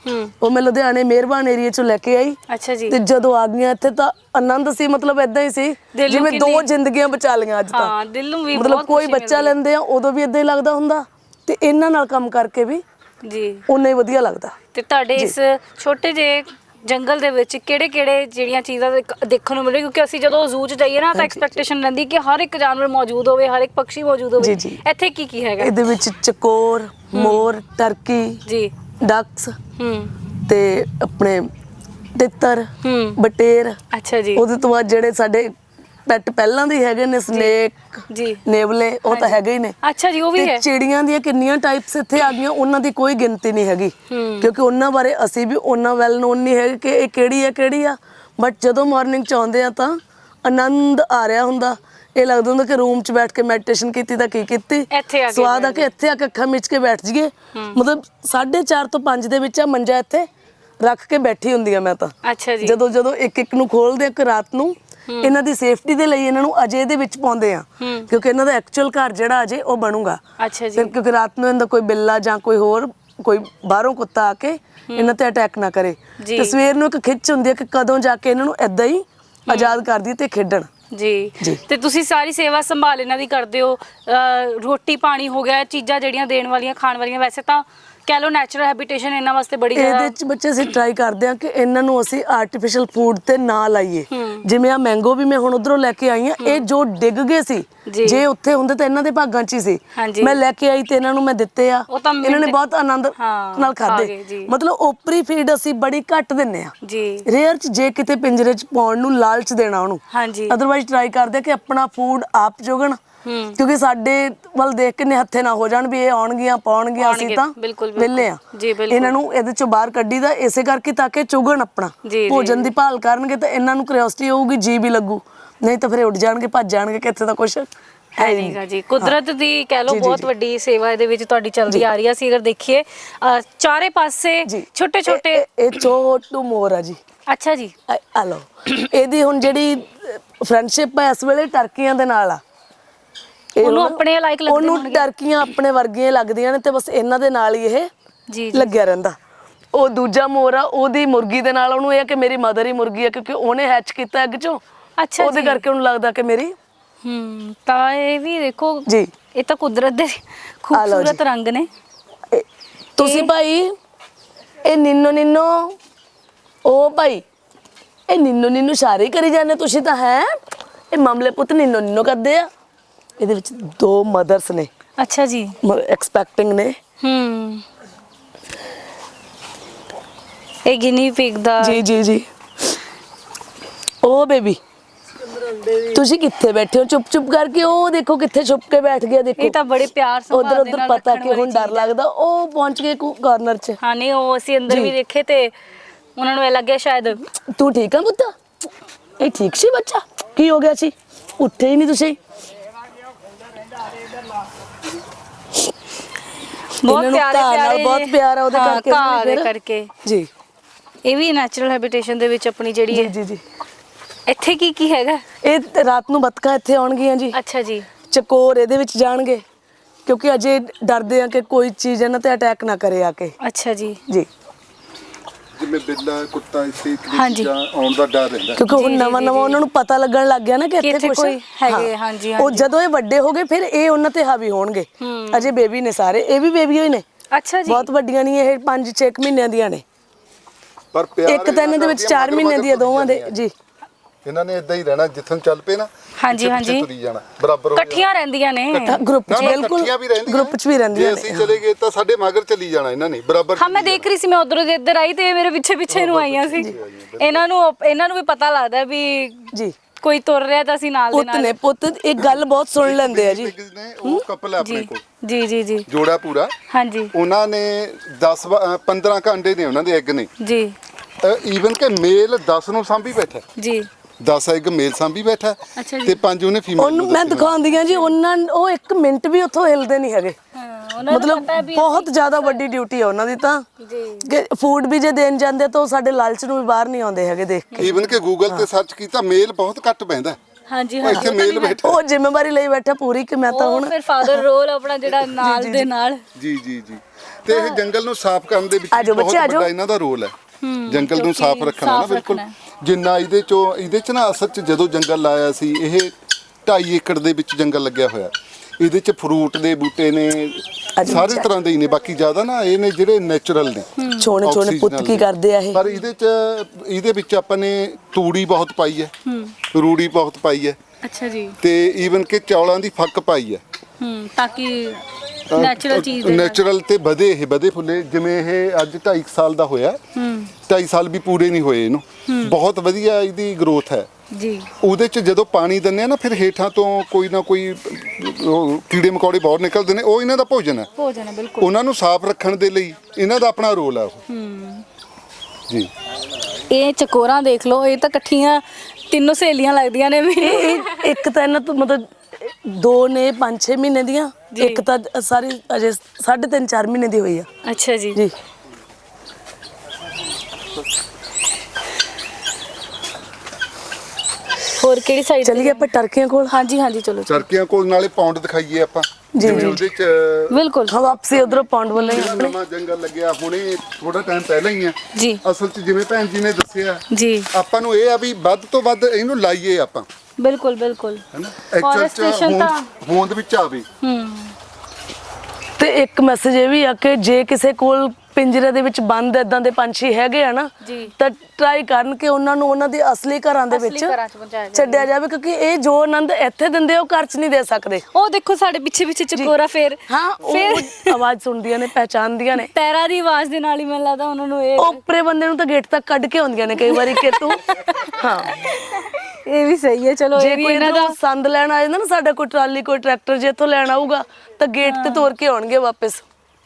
B: ਉਹ ਮੈਂ ਲੁਧਿਆਣੇ ਮਿਹਰਬਾਨ ਏਰੀਆ ਚੋਂ ਲੈ ਕੇ ਆਈ।
A: ਅੱਛਾ ਜੀ।
B: ਤੇ ਜਦੋਂ ਆ ਗਈਆਂ ਇੱਥੇ ਤਾਂ ਆਨੰਦ ਸੀ, ਮਤਲਬ ਇਦਾਂ ਹੀ ਸੀ ਜਿਵੇਂ ਦੋ ਜ਼ਿੰਦਗੀਆਂ ਬਚਾ ਲਈਆਂ ਅੱਜ ਤਾਂ।
A: ਹਾਂ, ਦਿਲ ਨੂੰ ਵੀ
B: ਮਤਲਬ ਕੋਈ ਬੱਚਾ ਲੈਂਦੇ ਆ ਉਦੋਂ ਵੀ ਇਦਾਂ ਹੀ ਲੱਗਦਾ ਹੁੰਦਾ, ਤੇ ਇਹਨਾਂ ਨਾਲ ਕੰਮ ਕਰਕੇ ਵੀ
A: ਜੀ
B: ਉਨਾ ਹੀ ਵਧੀਆ ਲੱਗਦਾ।
A: ਤੇ ਤੁਹਾਡੇ ਇਸ ਛੋਟੇ ਜਿਹੇ ਜੰਗਲ ਦੇ ਵਿੱਚ ਕਿਹੜੇ ਕਿਹੜੇ ਜਿਹੜੀਆਂ ਚੀਜ਼ਾਂ ਦੇਖਣ ਨੂੰ ਮਿਲੇ, ਕਿਉਂਕਿ ਅਸੀਂ ਜਦੋਂ ਜ਼ੂ 'ਚ ਜਾਈਏ ਨਾ ਤਾਂ ਐਕਸਪੈਕਟੇਸ਼ਨ ਰਹਿੰਦੀ ਕਿ ਹਰ ਇੱਕ ਜਾਨਵਰ ਮੌਜੂਦ ਹੋਵੇ, ਹਰ ਇੱਕ ਪੰਛੀ ਮੌਜੂਦ ਹੋਵੇ। ਇੱਥੇ ਕੀ ਕੀ ਹੈਗਾ?
B: ਇਹਦੇ ਵਿੱਚ ਚਕੋਰ, ਮੋਰ, ਟਰਕੀ ਜੀ, ਡਕਸ
A: ਹੂੰ
B: ਤੇ ਆਪਣੇ ਤਿੱਤਰ, ਬਟੇਰ।
A: ਅੱਛਾ ਜੀ।
B: ਉਹਦੇ ਤੋਂ ਬਾਅਦ ਜਿਹੜੇ ਸਾਡੇ ਪੈਟ ਪਹਿਲਾਂ ਦੇ ਹੈਗੇ ਨੇ, ਸਨੇਕ ਜੀ, ਨੇਵਲੇ, ਉਹ ਤਾਂ ਹੈਗੇ ਹੀ ਨੇ।
A: ਅੱਛਾ ਜੀ, ਉਹ ਵੀ ਹੈ।
B: ਚਿੜੀਆਂ ਦੀਆਂ ਕਿੰਨੀਆਂ ਟਾਈਪਸ ਇੱਥੇ ਆ ਗਈਆਂ, ਉਹਨਾਂ ਦੀ ਕੋਈ ਗਿਣਤੀ ਨਹੀਂ ਹੈਗੀ, ਕਿਉਂਕਿ ਉਹਨਾਂ ਬਾਰੇ ਅਸੀਂ ਵੀ ਉਹਨਾਂ ਵੈਲ ਨੋਨ ਨਹੀਂ ਹੈਗੇ ਕਿ ਇਹ ਕਿਹੜੀ ਹੈ ਕਿਹੜੀ ਆ। ਬਟ ਜਦੋਂ ਮਾਰਨਿੰਗ ਚ ਆਉਂਦੇ ਆ ਤਾਂ ਆਨੰਦ ਆ ਰਿਹਾ ਹੁੰਦਾ, ਇਹ ਲੱਗਦਾ ਹੁੰਦਾ ਕਿ ਰੂਮ ਚ ਬੈਠ ਕੇ ਮੈਡੀਟੇਸ਼ਨ ਕੀਤੀ ਤਾਂ ਕੀ ਕੀਤੀ, ਸਵਾਦ ਆ ਕੇ ਇੱਥੇ ਆ ਕੇ ਅੱਖਾਂ ਮਿਚ ਕੇ ਬੈਠ ਜਾਈਏ। ਮਤਲਬ ਸਾਢੇ ਚਾਰ ਤੋਂ ਪੰਜ ਦੇ ਵਿੱਚ ਆ ਮੰਜਾ ਇੱਥੇ ਰੱਖ ਕੇ ਬੈਠੀ ਹੁੰਦੀ ਆ ਮੈਂ ਤਾਂ। ਅੱਛਾ ਜੀ। ਜਦੋਂ ਜਦੋਂ ਇੱਕ ਇੱਕ ਨੂੰ ਖੋਲਦੇ ਆ ਕਿ ਰਾਤ ਨੂੰ ਇਹਨਾਂ ਦੀ ਸੇਫਟੀ ਦੇ ਲਈ ਇਹਨਾਂ ਨੂੰ ਅਜੇ ਦੇ ਵਿੱਚ ਪਾਉਂਦੇ ਆ, ਕਿਉਂਕਿ ਇਹਨਾਂ ਦਾ ਐਕਚੁਅਲ ਘਰ ਜਿਹੜਾ ਅਜੇ ਉਹ ਬਣੂਗਾ। ਅੱਛਾ ਜੀ। ਕਿਉਂਕਿ ਰਾਤ ਨੂੰ ਇਹਦਾ ਕੋਈ ਬਿੱਲਾ ਜਾਂ ਕੋਈ ਹੋਰ ਕੋਈ ਬਾਹਰੋਂ ਕੁੱਤਾ ਆ ਕੇ ਇਹਨਾਂ ਤੇ ਅਟੈਕ ਨਾ ਕਰੇ। ਤੇ ਸਵੇਰ ਨੂੰ ਇੱਕ ਖਿੱਚ ਹੁੰਦੀ ਹੈ ਕਿ ਕਦੋਂ ਜਾ ਕੇ ਇਹਨਾਂ ਨੂੰ ਏਦਾਂ ਹੀ ਆਜ਼ਾਦ ਕਰ ਦਈਏ ਤੇ ਖੇਡਣ। ਜੀ। ਤੇ ਤੁਸੀਂ ਸਾਰੀ ਸੇਵਾ ਸੰਭਾਲ ਇਹਨਾਂ ਦੀ ਕਰਦੇ ਹੋ, ਰੋਟੀ ਪਾਣੀ ਹੋ ਗਿਆ, ਚੀਜ਼ਾਂ ਜਿਹੜੀਆਂ ਦੇਣ ਵਾਲੀਆਂ ਖਾਣ ਵਾਲੀਆਂ, ਵੈਸੇ ਤਾਂ ਕਹਿ ਲਓ ਨੈਚੁਰਲ ਹੈਬਿਟੇਸ਼ਨ ਇਹਨਾਂ ਵਾਸਤੇ ਬੜੀ ਜ਼ਿਆਦਾ। ਇਹਦੇ ਚ ਬੱਚੇ ਅਸੀਂ ਟਰਾਈ ਕਰਦੇ ਆ ਕਿ ਇਹਨਾਂ ਨੂੰ ਅਸੀਂ ਆਰਟੀਫੀਸ਼ੀਅਲ ਫੂਡ ਤੇ ਨਾ ਲਾਈਏ। ਜਿਵੇਂ ਆ ਮੈਂਗੋ ਵੀ ਮੈਂ ਹੁਣ ਉਧਰੋਂ ਲੈ ਕੇ ਆਈ ਆ, ਇਹ ਜੋ ਡਿੱਗ ਗਏ ਸੀ, ਜੇ ਉੱਥੇ ਹੁੰਦੇ ਤਾਂ ਇਹਨਾਂ ਦੇ ਭਾਗਾਂ ਚ ਹੀ ਸੀ। ਮੈਂ ਲੈ ਕੇ ਆਈ ਤੇ ਇਹਨਾਂ ਨੂੰ ਮੈਂ ਦਿੱਤੇ ਆ, ਇਹਨਾਂ ਨੇ ਬਹੁਤ ਆਨੰਦ ਨਾਲ ਖਾਦੇ। ਮਤਲਬ ਓਪਰੀ ਫੀਡ ਅਸੀਂ ਬੜੀ ਘੱਟ ਦਿੰਨੇ ਆ, ਰੇਅਰ ਚ ਜੇ ਕਿਤੇ ਪਿੰਜਰੇ ਚ ਪਾਉਣ ਨੂੰ ਲਾਲਚ ਦੇਣਾ ਉਹਨੂੰ। ਅਦਰਵਾਈਜ਼ ਟਰਾਈ ਕਰਦੇ ਕਿ ਆਪਣਾ ਫੂਡ ਆਪ ਚੁਗਣ, ਕਿਉਂਕਿ ਸਾਡੇ ਵੱਲ ਦੇਖ ਕੇ ਹੱਥੇ ਨਾ ਹੋ ਜਾਣ ਵੀ ਇਹ ਆਉਣਗੀਆਂ ਪਾਉਣਗੀਆਂ, ਅਸੀਂ ਤਾਂ ਵਿਹਲੇ ਆ। ਇਹਨਾਂ ਨੂੰ ਇਹਦੇ ਚੋਂ ਬਾਹਰ ਕੱਢੀ ਦਾ ਇਸੇ ਕਰਕੇ ਤਾਂ ਕਿ ਚੁਗਣ ਆਪਣਾ ਭੋਜਨ ਦੀ ਭਾਲ ਕਰਨਗੇ ਤਾਂ ਇਹਨਾਂ ਨੂੰ ਕਿਉਰਿਓਸਿਟੀ ਹੋਊਗੀ, ਜੀ ਵੀ ਲੱਗੂ, ਨਹੀਂ ਤਾਂ ਫਿਰ ਉੱਡ ਜਾਣਗੇ, ਭੱਜ ਜਾਣਗੇ ਕਿ ਇੱਥੇ ਤਾਂ ਕੁਛ ਹੈ ਨਹੀਂਗਾ ਜੀ। ਕੁਦਰਤ ਦੀ ਕਹਿ ਲਓ ਬਹੁਤ ਵੱਡੀ ਸੇਵਾ ਇਹਦੇ ਵਿੱਚ ਤੁਹਾਡੀ ਚੱਲਦੀ ਆ ਰਹੀ ਆ। ਅਸੀਂ ਅਗਰ ਦੇਖੀਏ ਚਾਰੇ ਪਾਸੇ ਛੋਟੇ ਛੋਟੇ, ਇਹ ਛੋਟੂ ਮੋਰ ਆ ਜੀ। ਅੱਛਾ ਜੀ। ਆ ਲਓ, ਇਹਦੀ ਹੁਣ ਜਿਹੜੀ ਫਰੈਂਡਸ਼ਿਪ ਹੈ ਇਸ ਵੇਲੇ ਟਰਕੀਆਂ ਦੇ ਨਾਲ ਆ। ਉਹਨੂੰ ਆਪਣੇ ਲਾਇਕ ਲੱਗਦੇ, ਉਹਨੂੰ ਟਰਕੀਆਂ ਆਪਣੇ ਵਰਗੀਆਂ ਲੱਗਦੀਆਂ ਨੇ ਤੇ ਬਸ ਇਹਨਾਂ ਦੇ ਨਾਲ ਹੀ ਇਹ ਲੱਗਿਆ ਰਹਿੰਦਾ। ਉਹ ਦੂਜਾ ਮੋਰ ਆ, ਉਹਦੀ ਮੁਰਗੀ ਦੇ ਨਾਲ ਉਹਨੂੰ ਇਹ ਕਿ ਮੇਰੀ ਮਦਰ ਹੀ ਮੁਰਗੀ ਆ, ਕਿਉਂਕਿ ਉਹਨੇ ਹੈਚ ਕੀਤਾ ਐਗ ਚੋਂ। ਅੱਛਾ, ਉਹਦੇ ਕਰਕੇ ਉਹਨੂੰ ਲੱਗਦਾ ਕਿ ਮੇਰੀ। ਹੂੰ, ਤਾਂ ਇਹ ਵੀ ਦੇਖੋ ਜੀ, ਇਹ ਤਾਂ ਕੁਦਰਤ ਦੇ ਖੂਬਸੂਰਤ ਰੰਗ ਨੇ। ਤੁਸੀਂ ਭਾਈ ਇਹ ਨਿੰਨੋ ਨਿੰਨੋ, ਉਹ ਭਾਈ ਇਹ ਨਿੰਨੋ ਨਿੰਨੋ ਸਾਰੇ ਕਰੀ ਜਾਂਦੇ ਤੁਸੀਂ ਤਾਂ, ਹੈ ਇਹ ਮਾਮਲੇ ਪੁੱਤ ਨਿੰਨੋ ਨਿੰਨੋ ਕਰਦੇ ਆ। ਇਹਦੇ ਵਿੱਚ ਦੋ ਮਦਰਸ ਨੇ। ਅੱਛਾ ਜੀ। ਐਕਸਪੈਕਟਿੰਗ ਨੇ। ਹੂੰ, ਇਹ ਗਿਨੀ ਪਿਗ ਦਾ। ਜੀ ਜੀ ਜੀ। ਉਹ ਬੇਬੀ ਤੁਸੀਂ ਕਿੱਥੇ ਬੈਠੇ ਹੋ ਚੁੱਪ ਚੁੱਪ ਕਰਕੇ? ਉਹ ਦੇਖੋ ਕਿੱਥੇ ਛੁਪ ਕੇ ਬੈਠ ਗਿਆ, ਦੇਖੋ। ਇਹ ਤਾਂ ਬੜੇ ਪਿਆਰ ਸੰਭਾਲ ਦੇ ਨਾਲ ਉਧਰ ਉਧਰ ਪਤਾ ਕਿ ਹੁਣ ਡਰ ਲੱਗਦਾ, ਉਹ ਪਹੁੰਚ ਗਏ ਕਾਰਨਰ 'ਚ। ਹਾਂ, ਨਹੀਂ ਉਹ ਅਸੀਂ ਅੰਦਰ ਵੀ ਦੇਖੇ ਤੇ ਉਹਨਾਂ ਨੂੰ ਇਹ ਲੱਗਿਆ ਸ਼ਾਇਦ। ਤੂੰ ਠੀਕ ਆ ਪੁੱਤ? ਇਹ ਠੀਕ ਸੀ ਬੱਚਾ? ਕੀ ਹੋ ਗਿਆ ਸੀ? ਉੱਠੇ ਹੀ ਨਹੀਂ ਤੁਸੀਂ। ਬਹੁਤ ਪਿਆਰੇ ਪਿਆਰੇ, ਬਹੁਤ ਪਿਆਰ ਆ ਉਹਦੇ ਕਰਕੇ, ਘਾਹ ਦੇ ਕਰਕੇ ਜੀ। ਇਹ ਵੀ ਨੈਚੁਰਲ ਹੈਬਿਟੇਸ਼ਨ ਦੇ ਵਿੱਚ ਆਪਣੀ ਜਿਹੜੀ ਹੈ। ਜੀ ਜੀ। ਇੱਥੇ ਕੀ ਕੀ ਹੈਗਾ? ਇਹ ਰਾਤ ਨੂੰ ਬੱਤਕਾਂ ਇੱਥੇ ਆਉਣਗੀਆਂ ਜੀ। ਅੱਛਾ ਜੀ। ਚਕੋਰ ਇਹਦੇ ਵਿੱਚ ਜਾਣਗੇ, ਕਿਉਂਕਿ ਅਜੇ ਡਰਦੇ ਆ ਕਿ ਕੋਈ ਚੀਜ਼ ਇਹਨਾਂ ਤੇ ਅਟੈਕ ਨਾ ਕਰੇ ਆ ਕੇ। ਅੱਛਾ ਜੀ। ਜੀ।
C: ਜਿਵੇਂ ਬਿੱਲਾ ਕੁੱਤਾ ਇੱਥੇ ਚੀਜ਼ਾਂ ਆਉਣ ਦਾ ਡਰ ਰਹਿੰਦਾ,
B: ਕਿਉਂਕਿ ਹੁਣ ਨਵਾਂ ਨਵਾਂ ਉਹਨਾਂ ਨੂੰ ਪਤਾ ਲੱਗਣ ਲੱਗ ਗਿਆ ਨਾ ਕਿ ਇੱਥੇ ਕੋਈ ਹੈਗੇ। ਹਾਂਜੀ। ਉਹ ਜਦੋਂ ਇਹ ਵੱਡੇ ਹੋ ਗਏ ਫਿਰ ਇਹ ਉਹਨਾਂ ਤੇ ਹਾਵੀ ਹੋਣਗੇ। ਅਜੇ ਬੇਬੀ ਨੇ ਸਾਰੇ, ਇਹ ਵੀ ਬੇਬੀ ਹੋਈ ਨੇ। ਅੱਛਾ ਜੀ। ਬਹੁਤ ਵੱਡੀਆਂ ਨਹੀਂ, ਇਹ ਪੰਜ ਛੇ ਮਹੀਨਿਆਂ ਦੀਆਂ ਨੇ। ਪਰ ਇੱਕ ਤਾਂ ਇਹਨਾਂ ਦੇ ਵਿੱਚ ਚਾਰ ਮਹੀਨੇ ਦੀ ਦੋਵਾਂ ਦੇ ਜੀ। ਇਹਨਾਂ ਨੇ ਇਦਾਂ ਹੀ ਰਹਿਣਾ, ਜਿੱਥੋਂ ਚੱਲ ਪਏ ਨਾ। ਹਾਂਜੀ ਹਾਂਜੀ। ਤੁਰੀ ਜਾਣਾ ਬਰਾਬਰ, ਇਕੱਠੀਆਂ ਰਹਿੰਦੀਆਂ ਨੇ ਗਰੁੱਪ ਚ। ਬਿਲਕੁਲ, ਗਰੁੱਪ ਚ ਵੀ ਰਹਿੰਦੀਆਂ ਨੇ। ਜੇ ਅਸੀਂ ਚਲੇ ਗਏ ਤਾਂ ਸਾਡੇ ਮਗਰ ਚੱਲੀ ਜਾਣਾ ਇਹਨਾਂ ਨੇ ਬਰਾਬਰ। ਹਾਂ, ਮੈਂ ਦੇਖ ਰਹੀ ਸੀ, ਮੈਂ ਉਧਰੋਂ ਦੀ ਇੱਧਰ ਆਈ ਤੇ ਮੇਰੇ ਪਿੱਛੇ ਪਿੱਛੇ ਨੂੰ ਆਈਆਂ ਸੀ। ਇਹਨਾਂ ਨੂੰ ਇਹਨਾਂ ਨੂੰ ਵੀ ਪਤਾ ਲੱਗਦਾ ਵੀ ਜੀ ਕੋਈ ਤੁਰ ਰਿਹਾ ਤਾਂ ਅਸੀਂ ਨਾਲ ਦੇ ਨਾਲ। ਪੁੱਤ ਨੇ ਪੁੱਤ ਇੱਕ ਗੱਲ ਬਹੁਤ ਸੁਣ ਲੈਂਦੇ ਆ ਜੀ। ਉਹ ਕਪਲ ਹੈ ਆਪਣੇ ਕੋਲ। ਜੀ ਜੀ ਜੀ। ਜੋੜਾ ਪੂਰਾ। ਹਾਂਜੀ। ਉਹਨਾਂ ਨੇ ਦਸ ਪੰਦਰਾਂ ਘੰਟੇ ਨੇ ਉਹਨਾਂ ਦੇ ਐਗ ਨੇ ਜੀ। ਈਵਨ ਕਿ ਮੇਲ ਦਸ ਨੂੰ ਸਾਂਭੀ ਬੈਠਾ ਜੀ। ਦਸ ਐਗ ਮੇਲ ਸਾਂਭੀ ਬੈਠਾ ਤੇ ਪੰਜ ਉਹਨੇ ਫੀਮੇਲ। ਉਹਨੂੰ ਮੈਂ ਦਿਖਾਉਂਦੀ ਆ ਜੀ, ਉਹਨਾਂ ਉਹ ਇੱਕ ਮਿੰਟ ਵੀ ਉੱਥੋਂ ਹਿਲਦੇ ਨਹੀਂ ਹੈਗੇ। ਮਤਲਬ ਬਹੁਤ ਜ਼ਿਆਦਾ ਵੱਡੀ ਡਿਊਟੀ ਆ ਉਹਨਾਂ ਦੀ ਤਾਂ, ਕਿ ਫੂਡ ਵੀ ਜੇ ਦੇਣ ਜਾਂਦੇ ਤਾਂ ਉਹ ਸਾਡੇ ਲਾਲਚ ਨੂੰ ਵੀ ਬਾਹਰ ਨਹੀਂ ਆਉਂਦੇ ਹੈਗੇ ਦੇਖ ਕੇ। ਈਵਨ ਕਿ ਗੂਗਲ ਤੇ ਸਰਚ ਕੀਤਾ, ਮੇਲ ਬਹੁਤ ਘੱਟ ਪੈਂਦਾ
A: ਹਾਂਜੀ
C: ਉਹ ਇੱਥੇ ਮੇਲ ਬੈਠਾ
B: ਉਹ ਜ਼ਿੰਮੇਵਾਰੀ ਲਈ ਬੈਠਾ ਪੂਰੀ ਕਿ ਮੈਂ ਤਾਂ
A: ਉਹ
B: ਹੁਣ
A: ਫਿਰ ਫਾਦਰ ਰੋਲ ਆਪਣਾ ਜਿਹੜਾ ਨਾਲ ਦੇ ਨਾਲ
C: ਜੀ ਜੀ ਜੀ ਤੇ ਇਹ ਜੰਗਲ ਨੂੰ ਸਾਫ਼ ਕਰਨ ਦੇ ਵਿੱਚ
B: ਆਜੋ
C: ਵੀ ਬਹੁਤ
B: ਬੱਚੇ, ਆਜੋ।
C: ਵੱਡਾ ਇਹਨਾਂ ਦਾ ਰੋਲ ਹੈ ਜੰਗਲ ਨੂੰ
A: ਕਿਉਂਕਿ
C: ਸਾਫ਼ ਰੱਖਣਾ ਨਾ
A: ਸਾਫ਼
C: ਬਿਲਕੁਲ
A: ਰੱਖਣਾ
C: ਜਿੰਨਾ ਇਹਦੇ ਚੋਂ ਇਹਦੇ ਚ ਨਾ ਅਸਲ ਚ ਜਦੋਂ ਜੰਗਲ ਲਾਇਆ ਸੀ ਇਹ ਢਾਈ ਏਕੜ ਦੇ ਵਿੱਚ ਜੰਗਲ ਲੱਗਿਆ ਹੋਇਆ ਇਹਦੇ ਚ ਫਰੂਟ ਦੇ ਬੂਟੇ ਨੇ ਸਾਰੇ ਤਰ੍ਹਾਂ ਦੇ ਹੀ ਨੇ ਬਾਕੀ ਜ਼ਿਆਦਾ ਨਾ ਇਹ ਨੇ ਜਿਹੜੇ ਨੇਚਰਲ ਨੇ
B: ਛੋਣੇ ਛੋਣੇ ਪੁੱਤ ਕੀ ਕਰਦੇ ਆ ਇਹ
C: ਪਰ ਇਹਦੇ ਚ ਇਹਦੇ ਵਿੱਚ ਆਪਾਂ ਨੇ ਤੂੜੀ ਬਹੁਤ ਪਾਈ ਹੈ ਰੂੜੀ ਬਹੁਤ ਪਾਈ ਹੈ
A: ਅੱਛਾ ਜੀ
C: ਤੇ ਈਵਨ ਕਿ ਚੌਲਾਂ ਦੀ ਫੱਕ ਪਾਈ ਹੈ
A: ਹੂੰ ਤਾਂ ਕਿ ਨੈਚੁਰਲ ਚੀਜ਼ ਦੇ ਨਾਲ।
C: ਨੈਚੁਰਲ ਤੇ ਵਧੇ ਇਹ ਵਧੇ ਫੁੱਲੇ ਜਿਵੇਂ ਇਹ ਅੱਜ ਢਾਈ ਕੁ ਸਾਲ ਦਾ ਹੋਇਆ
A: ਹੂੰ
C: ਢਾਈ ਸਾਲ ਵੀ ਪੂਰੇ ਨਹੀਂ ਹੋਏ ਇਹਨੂੰ ਬਹੁਤ ਵਧੀਆ ਇਹਦੀ ਗਰੋਥ ਹੈ
A: ਜੀ
C: ਉਹਦੇ ਚ ਜਦੋਂ ਪਾਣੀ ਦਿੰਦੇ ਆ ਨਾ ਫਿਰ ਹੇਠਾਂ ਤੋਂ ਕੋਈ ਨਾ ਕੋਈ ਉਹ ਕੀੜੇ ਮਕੌੜੇ ਬਾਹਰ ਨਿਕਲਦੇ ਨੇ ਉਹ ਇਹਨਾਂ ਦਾ ਭੋਜਨ ਹੈ
A: ਭੋਜਨ ਹੈ ਬਿਲਕੁਲ
C: ਉਹਨਾਂ ਨੂੰ ਸਾਫ਼ ਰੱਖਣ ਦੇ ਲਈ ਇਹਨਾਂ ਦਾ ਆਪਣਾ ਰੋਲ ਹੈ ਉਹ
A: ਹੂੰ
C: ਜੀ
A: ਇਹ ਚਕੋਰਾਂ ਦੇਖ ਲਓ ਇਹ ਤਾਂ ਇਕੱਠੀਆਂ ਤਿੰਨੋਂ ਸਹੇਲੀਆਂ ਲੱਗਦੀਆਂ ਨੇ ਮੇਰੀ
B: ਇਹ ਇੱਕ ਤਾਂ ਇਹਨਾਂ ਤੋਂ ਮਤਲਬ ਦੋ ਨੇ ਪੰਜ ਛੇ ਮਹੀਨੇ ਦੀਆਂ ਇੱਕ ਤਾਂ ਸਾਰੀ ਅਜੇ ਸਾਢੇ ਤਿੰਨ ਚਾਰ ਮਹੀਨੇ ਦੀ ਹੋਈ ਆ
A: ਅੱਛਾ ਜੀ
B: ਜੀ
A: ਹੋਰ ਕਿਹੜੀ ਸਾਈਡ
B: ਚਲੀਏ ਆਪਾਂ ਟਰਕੀਆਂ ਕੋਲ
A: ਹਾਂਜੀ ਹਾਂਜੀ ਚਲੋ
C: ਚਰਕਿਆਂ ਕੋਲ ਨਾਲੇ ਪੌਂਡ ਦਿਖਾਈਏ ਆਪਾਂ
B: ਜੀ,
C: ਜਿਵੇਂ
B: ਜੀ।
C: ਉਹਦੇ ਚ
A: ਬਿਲਕੁਲ
B: ਹਾਂ ਵਾਪਸੀ ਉਧਰੋਂ ਪੌਂਡ ਵੱਲ ਹੀ
C: ਜਿਹੜਾ
B: ਆਪਣੇ
C: ਨਵਾਂ ਜੰਗਲ ਲੱਗਿਆ ਹੁਣੇ ਥੋੜਾ ਟਾਈਮ ਪਹਿਲਾਂ ਹੀ ਆ
A: ਜੀ
C: ਅਸਲ ਚ ਜਿਵੇਂ ਭੈਣ ਜੀ ਨੇ ਦੱਸਿਆ
A: ਜੀ
C: ਆਪਾਂ ਨੂੰ ਇਹ ਆ ਵੀ ਵੱਧ ਤੋਂ ਵੱਧ ਇਹਨੂੰ ਲਾਈਏ ਆਪਾਂ
A: ਬਿਲਕੁਲ ਬਿਲਕੁਲ
C: ਹੈਨਾ ਐਕਚੁਅਲ ਚ
A: Forestation ਤਾਂ-
C: ਹੋਂਦ ਹੋਂਦ ਵਿੱਚ ਆਵੇ
A: ਹੂੰ
B: ਤੇ ਇੱਕ ਮੈਸੇਜ ਇਹ ਵੀ ਆ ਕਿ ਜੇ ਕਿਸੇ ਕੋਲ ਪਿੰਜਰੇ ਦੇ ਵਿੱਚ ਬੰਦ ਇਦਾਂ ਦੇ ਪੰਛੀ ਹੈਗੇ ਆ ਨਾ
A: ਜੀ।
B: ਤਾਂ ਟਰਾਈ ਕਰਨ ਕਿ ਉਹਨਾਂ ਨੂੰ ਉਹਨਾਂ ਦੇ ਅਸਲੀ ਘਰਾਂ ਦੇ
A: ਅਸਲੀ
B: ਵਿੱਚ
A: ਘਰਾਂ 'ਚ ਪਹੁੰਚਾਇਆ ਜਾਵੇ।
B: ਛੱਡਿਆ ਜਾਵੇ ਕਿਉਂਕਿ ਇਹ ਜੋ ਆਨੰਦ ਇੱਥੇ ਦਿੰਦੇ ਉਹ ਘਰ 'ਚ ਨਹੀਂ ਦੇ ਸਕਦੇ
A: ਉਹ ਦੇਖੋ ਸਾਡੇ ਪਿੱਛੇ ਪਿੱਛੇ ਚਕੋਰਾ ਫੇਰ
B: ਹਾਂ
A: ਫਿਰ
B: ਉਹ ਆਵਾਜ਼ ਸੁਣਦੀਆਂ ਨੇ ਪਹਿਚਾਨਦੀਆਂ ਨੇ
A: ਪੈਰਾਂ ਦੀ ਆਵਾਜ਼ ਦੇ ਨਾਲ ਹੀ ਮੈਨੂੰ ਲੱਗਦਾ ਉਹਨਾਂ ਨੂੰ ਇਹ
B: ਉਹ ਉੱਪਰੇ ਬੰਦੇ ਨੂੰ ਤਾਂ ਗੇਟ ਤੱਕ ਕੱਢ ਕੇ ਆਉਂਦੀਆਂ ਨੇ ਕਈ ਵਾਰੀ ਕਿ ਤੂੰ ਹਾਂ
A: ਇਹ ਵੀ ਸਹੀ ਹੈ ਚਲੋ
B: ਜੇ
A: ਇਹ ਵੀ
B: ਕੋਈ
A: ਇਹਨਾਂ
B: ਇਹਨਾਂ
A: ਦਾ
B: ਸੰਦ ਲੈਣ ਆ ਜਾਂਦਾ ਨਾ ਸਾਡਾ ਕੋਈ ਟਰਾਲੀ ਕੋਈ ਟਰੈਕਟਰ ਜੇ ਇੱਥੋਂ ਲੈਣ ਆਊਗਾ ਤਾਂ ਗੇਟ ਤੇ ਤੋਰ ਕੇ ਆਉਣਗੇ ਵਾਪਸ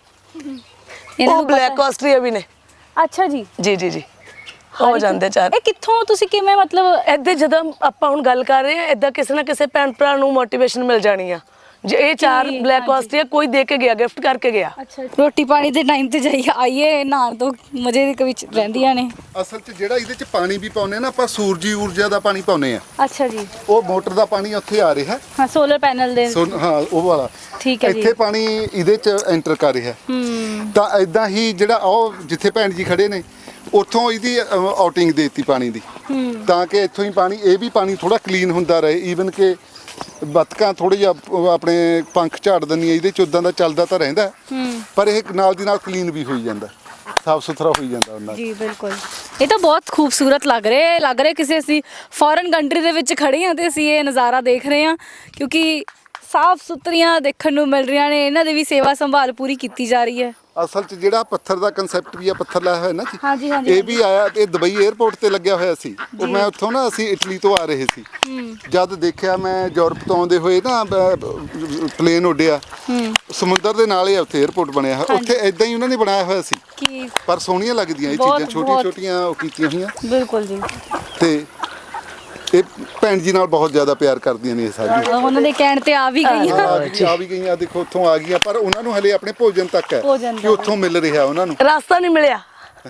A: ਇਹਨਾਂ
B: ਉਹ
A: ਨੂੰ ਪਤਾ-
B: ਬਲੈਕ ਆਸਟਰੀਆ ਵੀ ਨੇ
A: ਅੱਛਾ ਜੀ
B: ਜੀ ਜੀ ਜੀ ਹੋ ਜਾਂਦੇ ਚਾਰ
A: ਇਹ ਕਿੱਥੋਂ ਤੁਸੀਂ ਕਿਵੇਂ ਮਤਲਬ
B: ਇੱਥੇ ਜਦੋਂ ਆਪਾਂ ਹੁਣ ਗੱਲ ਕਰ ਰਹੇ ਹਾਂ ਇਦਾਂ ਕਿਸੇ ਨਾ ਕਿਸੇ ਭੈਣ ਭਰਾ ਨੂੰ ਮੋਟੀਵੇਸ਼ਨ ਮਿਲ ਜਾਣੀ ਆ ਜੇ ਇਹ ਚਾਰ
A: ਜੀ,
B: ਬਲੈਕ ਆਸਟਰੀਆ ਕੋਈ ਦੇ ਕੇ ਗਿਆ ਗਿਫਟ ਕਰਕੇ ਗਿਆ
A: ਅੱਛਾ ਰੋਟੀ ਪਾਣੀ ਦੇ ਟਾਈਮ ਤੇ ਜਾਈਏ ਆਈਏ ਨਹਾਉਣ ਤੋਂ ਮਜ਼ੇ ਦੇ ਵਿੱਚ ਰਹਿੰਦੀਆਂ ਨੇ
C: ਅਸਲ 'ਚ ਜਿਹੜਾ ਇਹਦੇ 'ਚ ਪਾਣੀ ਵੀ ਪਾਉਨੇ ਨਾ ਆਪਾਂ ਸੂਰਜੀ ਊਰਜਾ ਦਾ ਪਾਣੀ ਪਾਉਨੇ ਆ
A: ਅੱਛਾ ਜੀ
C: ਉਹ ਮੋਟਰ ਦਾ ਪਾਣੀ ਉੱਥੇ ਆ ਰਿਹਾ
A: ਹਾਂ ਸੋਲਰ ਪੈਨਲ ਦੇ
C: ਸੋ ਹਾਂ ਉਹ ਵਾਲਾ
A: ਠੀਕ ਹੈ ਜੀ
C: ਇੱਥੇ ਪਾਣੀ ਇਹਦੇ 'ਚ ਐਂਟਰ ਕਰ ਰਿਹਾ
A: ਹੂੰ
C: ਤਾਂ ਇਦਾਂ ਹੀ ਜਿਹੜਾ ਉਹ ਜਿੱਥੇ ਭੈਣ ਜੀ ਖੜੇ ਨੇ ਉੱਥੋਂ ਇਹਦੀ ਆਊਟਿੰਗ ਦੇਤੀ ਪਾਣੀ ਦੀ ਤਾਂ ਕਿ ਇੱਥੋਂ ਹੀ ਪਾਣੀ ਇਹ ਵੀ ਪਾਣੀ ਥੋੜਾ ਕਲੀਨ ਹੁੰਦਾ ਰਹੇ ਈਵਨ ਕਿ ਬਤਕਾਂ ਥੋੜੇ ਜਿਹਾ ਉਹ ਆਪਣੇ ਪੰਖ ਝਾੜ ਦਿੰਦੀਆਂ ਇਹਦੇ 'ਚ ਉਦਾਂ ਦਾ ਚੱਲਦਾ ਤਾਂ ਰਹਿੰਦਾ ਪਰ ਇਹ ਨਾਲ ਦੀ ਨਾਲ ਕਲੀਨ ਵੀ ਹੋਈ ਜਾਂਦਾ ਸਾਫ ਸੁਥਰਾ ਹੋਈ ਜਾਂਦਾ ਉਹਨਾਂ
A: ਜੀ ਬਿਲਕੁਲ ਇਹ ਤਾਂ ਬਹੁਤ ਖੂਬਸੂਰਤ ਲੱਗ ਰਿਹਾ ਹੈ ਲੱਗ ਰਿਹਾ ਕਿਸੇ ਅਸੀਂ ਫੋਰਨ ਕੰਟਰੀ ਦੇ ਵਿੱਚ ਖੜੇ ਹਾਂ ਤੇ ਅਸੀਂ ਇਹ ਨਜ਼ਾਰਾ ਦੇਖ ਰਹੇ ਹਾਂ ਕਿਉਂਕਿ ਸਾਫ ਸੁਥਰੀਆਂ ਦੇਖਣ ਨੂੰ ਮਿਲ ਰਹੀਆਂ ਨੇ ਇਹਨਾਂ ਦੀ ਵੀ ਸੇਵਾ ਸੰਭਾਲ ਪੂਰੀ ਕੀਤੀ ਜਾ ਰਹੀ ਹੈ
C: ਅਸਲ 'ਚ ਜਿਹੜਾ ਪੱਥਰ ਦਾ ਕਨਸੈਪਟ ਵੀ ਆ ਪੱਥਰ ਲਾਇਆ ਹੋਇਆ ਨਾ ਜੀ
A: ਹਾਂਜੀ, ਹਾਂਜੀ,
C: ਇਹ ਵੀ ਆਇਆ ਇਹ ਦੁਬਈ 에ਅਰਪੋਰਟ ਤੇ ਲੱਗਿਆ ਹੋਇਆ ਸੀ ਉਹ ਮੈਂ ਉੱਥੋਂ ਨਾ ਅਸੀਂ ਇਟਲੀ ਤੋਂ ਆ ਰਹੇ ਸੀ ਜਦ ਦੇਖਿਆ ਮੈਂ ਯੂਰਪ ਤੋਂ ਆਉਂਦੇ ਹੋਏ ਨਾ ਪਲੇਨ ਉੱਡਿਆ ਸਮੁੰਦਰ ਦੇ ਨਾਲ ਹੀ ਉੱਥੇ 에ਅਰਪੋਰਟ ਬਣਿਆ ਹੋਇਆ ਉੱਥੇ ਇਦਾਂ ਹੀ ਉਹਨਾਂ ਨੇ ਬਣਾਇਆ ਹੋਇਆ ਸੀ
A: ਕੀ
C: ਪਰ ਸੋਹਣੀਆਂ ਲੱਗਦੀਆਂ ਇਹ
A: ਬਹੁਤ-
C: ਚੀਜ਼ਾਂ ਛੋਟੀਆਂ ਛੋਟੀਆਂ ਉਹ ਕੀਤੀਆਂ ਹੋਈਆਂ
A: ਬਿਲਕੁਲ ਜੀ
C: ਤੇ ਇਹ ਭੈਣ ਜੀ ਨਾਲ ਬਹੁਤ ਜ਼ਿਆਦਾ ਪਿਆਰ ਕਰਦੀਆਂ ਨੇ ਇਹ ਸਾਰੀਆਂ
A: ਉਹਨਾਂ ਦੇ ਕਹਿਣ ਤੇ ਆ ਵੀ ਗਈਆਂ
C: ਆ ਗਈ ਆ ਵੀ ਗਈਆਂ ਦੇਖੋ ਉੱਥੋਂ ਆ ਗਈਆਂ ਪਰ ਉਹਨਾਂ ਨੂੰ ਹਲੇ ਆਪਣੇ ਭੋਜਨ ਤੱਕ ਹੈ
A: ਭੋਜਨ
C: ਕਿ ਉੱਥੋਂ ਮਿਲ ਰਿਹਾ ਉਹਨਾਂ ਨੂੰ
B: ਰਾਸਤਾ ਨਹੀਂ ਮਿਲਿਆ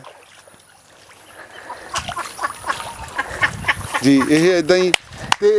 C: ਜੀ ਇਹ ਇਦਾਂ ਹੀ ਤੇ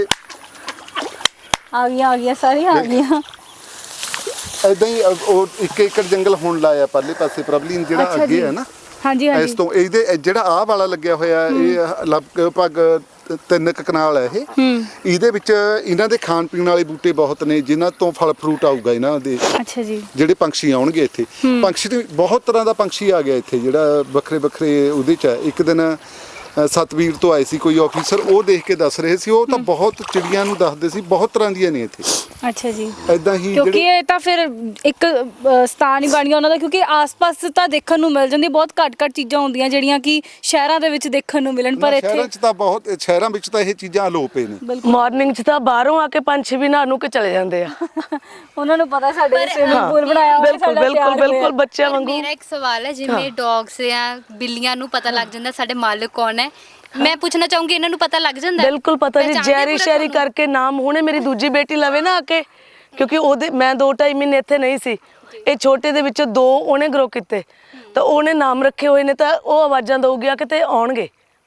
A: ਆ ਗਈਆਂ ਆ ਗਈਆਂ ਸਾਰੀਆਂ ਆ ਗਈਆਂ
C: ਇਦਾਂ ਹੀ ਅ- ਉਹ ਇੱਕ ਏਕੜ ਜੰਗਲ ਹੁਣ ਲਾਇਆ ਪਰਲੇ ਪਾਸੇ ਪ੍ਰਬਲੀਨ ਜਿਹੜਾ
A: ਅੱਛਾ
C: ਅੱਗੇ
A: ਜੀ।
C: ਹੈ ਨਾ
A: ਹਾਂਜੀ
C: ਇਸ
A: ਹਾਂਜੀ
C: ਤੋਂ ਇਹਦੇ ਇਹ ਜਿਹੜਾ ਆਹ ਵਾਲਾ ਲੱਗਿਆ ਹੋਇਆ ਇਹ ਲਗਭਗ ਤਿੰਨ ਕੁ ਕਨਾਲ ਹੈ ਇਹ ਇਹਦੇ ਵਿੱਚ ਇਹਨਾਂ ਦੇ ਖਾਣ ਪੀਣ ਵਾਲੇ ਬੂਟੇ ਬਹੁਤ ਨੇ ਜਿਨ੍ਹਾਂ ਤੋਂ ਫਲ ਫਰੂਟ ਆਊਗਾ ਇਹਨਾਂ ਦੇ
A: ਅੱਛਾ ਜੀ
C: ਜਿਹੜੇ ਪੰਛੀ ਆਉਣਗੇ ਇੱਥੇ ਪੰਛੀ ਤੇ ਬਹੁਤ ਤਰ੍ਹਾਂ ਦਾ ਪੰਛੀ ਆ ਗਿਆ ਇੱਥੇ ਜਿਹੜਾ ਵੱਖਰੇ ਵੱਖਰੇ ਉਹਦੇ ਚ ਹੈ ਇੱਕ ਦਿਨ ਅ, ਸਤਵੀਰ ਤੋਂ ਆਏ ਸੀ ਕੋਈ ਆਫੀਸਰ ਉਹ ਦੇਖ ਕੇ ਦੱਸ ਰਹੇ ਸੀ ਉਹ ਤਾਂ ਬਹੁਤ ਚਿੜੀਆਂ ਨੂੰ ਦੱਸਦੇ ਸੀ ਬਹੁਤ ਤਰ੍ਹਾਂ ਦੀਆਂ ਨੇ ਇੱਥੇ
A: ਅੱਛਾ ਜੀ
C: ਐਦਾਂ ਹੀ
A: ਕਿਉਂਕਿ
C: ਜਿਹੜੇ
A: ਇਹ ਤਾਂ ਫਿਰ ਇੱਕ ਅ, ਸਥਾਨ ਹੀ ਬਣ ਗਿਆ ਉਹਨਾਂ ਦਾ ਕਿਉਂਕਿ ਆਸ-ਪਾਸ ਤਾਂ ਦੇਖਣ ਨੂੰ ਮਿਲ ਜਾਂਦੀ ਬਹੁਤ ਘੱਟ-ਘੱਟ ਚੀਜ਼ਾਂ ਹੁੰਦੀਆਂ ਜਿਹੜੀਆਂ ਕਿ ਸ਼ਹਿਰਾਂ ਦੇ ਵਿੱਚ ਦੇਖਣ ਨੂੰ ਮਿਲਣ ਪਰ
C: ਸ਼ਹਿਰਾਂ
A: ਇੱਥੇ
C: 'ਚ ਤਾਂ ਬਹੁਤ ਸ਼ਹਿਰਾਂ ਵਿੱਚ ਤਾਂ ਇਹ ਚੀਜ਼ਾਂ ਅਲੋਪ ਨੇ
A: ਬਿਲਕੁਲ
B: ਮਾਰਨਿੰਗ 'ਚ ਤਾਂ ਬਾਹਰੋਂ ਆ ਕੇ ਪੰਛੀ ਵੀ ਨਹਾ ਨੂੰ ਕੇ ਚਲੇ ਜਾਂਦੇ ਆ
A: ਉਹਨਾਂ ਨੂੰ ਪਤਾ ਸਾਡੇ ਸਵਿਮਿੰਗ ਪੂਲ ਬਣਾਇਆ ਹੋਇਆ
B: ਬਿਲਕੁਲ
A: ਸਾਡਾ
B: ਬਿਲਕੁਲ
A: ਤਿਆਰ ਹੋਇਆ।
B: ਬਿਲਕੁਲ ਬੱਚਿਆਂ ਵਾਂਗੂ
D: ਮੇਰਾ ਇੱਕ ਸਵਾਲ ਹੈ ਜਿਵੇਂ ਡੌਗਸ ਜਾਂ ਬਿੱਲੀਆਂ ਨੂੰ ਪਤਾ ਲੱਗ ਜਾਂਦਾ ਸਾਡੇ ਮਾਲਕ ਕੌਣ ਹੈ ਮੈਂ ਪੁੱਛਣਾ ਚਾਹੂੰਗੀ ਇਹਨਾਂ ਨੂੰ ਪਤਾ ਲੱਗ ਜਾਂਦਾ ਹੈ?
B: ਬਿਲਕੁਲ ਪਤਾ ਜੀ
D: ਪਹਿਚਾਣਦੇ
B: ਜੈਰੀ
D: ਪੂਰਾ
B: ਸ਼ੈਰੀ
D: ਤੁਹਾਨੂੰ?
B: ਕਰਕੇ ਨਾਮ ਹੁਣੇ ਮੇਰੀ ਦੂਜੀ ਬੇਟੀ ਲਵੇ ਨਾ ਆ ਕੇ ਕਿਉਂਕਿ ਉਹਦੇ ਮੈਂ ਦੋ ਢਾਈ ਮਹੀਨੇ ਇੱਥੇ ਨਹੀਂ ਸੀ ਇਹ ਛੋਟੇ ਦੇ ਵਿੱਚੋਂ ਦੋ ਉਹਨੇ ਗਰੋ ਕੀਤੇ ਤਾਂ ਉਹਨੇ ਨਾਮ ਰੱਖੇ ਹੋਏ ਨੇ ਤਾਂ ਉਹ ਆਵਾਜ਼ਾਂ ਦਊਗੀ ਆ ਕਿਤੇ ਆਉਣਗੇ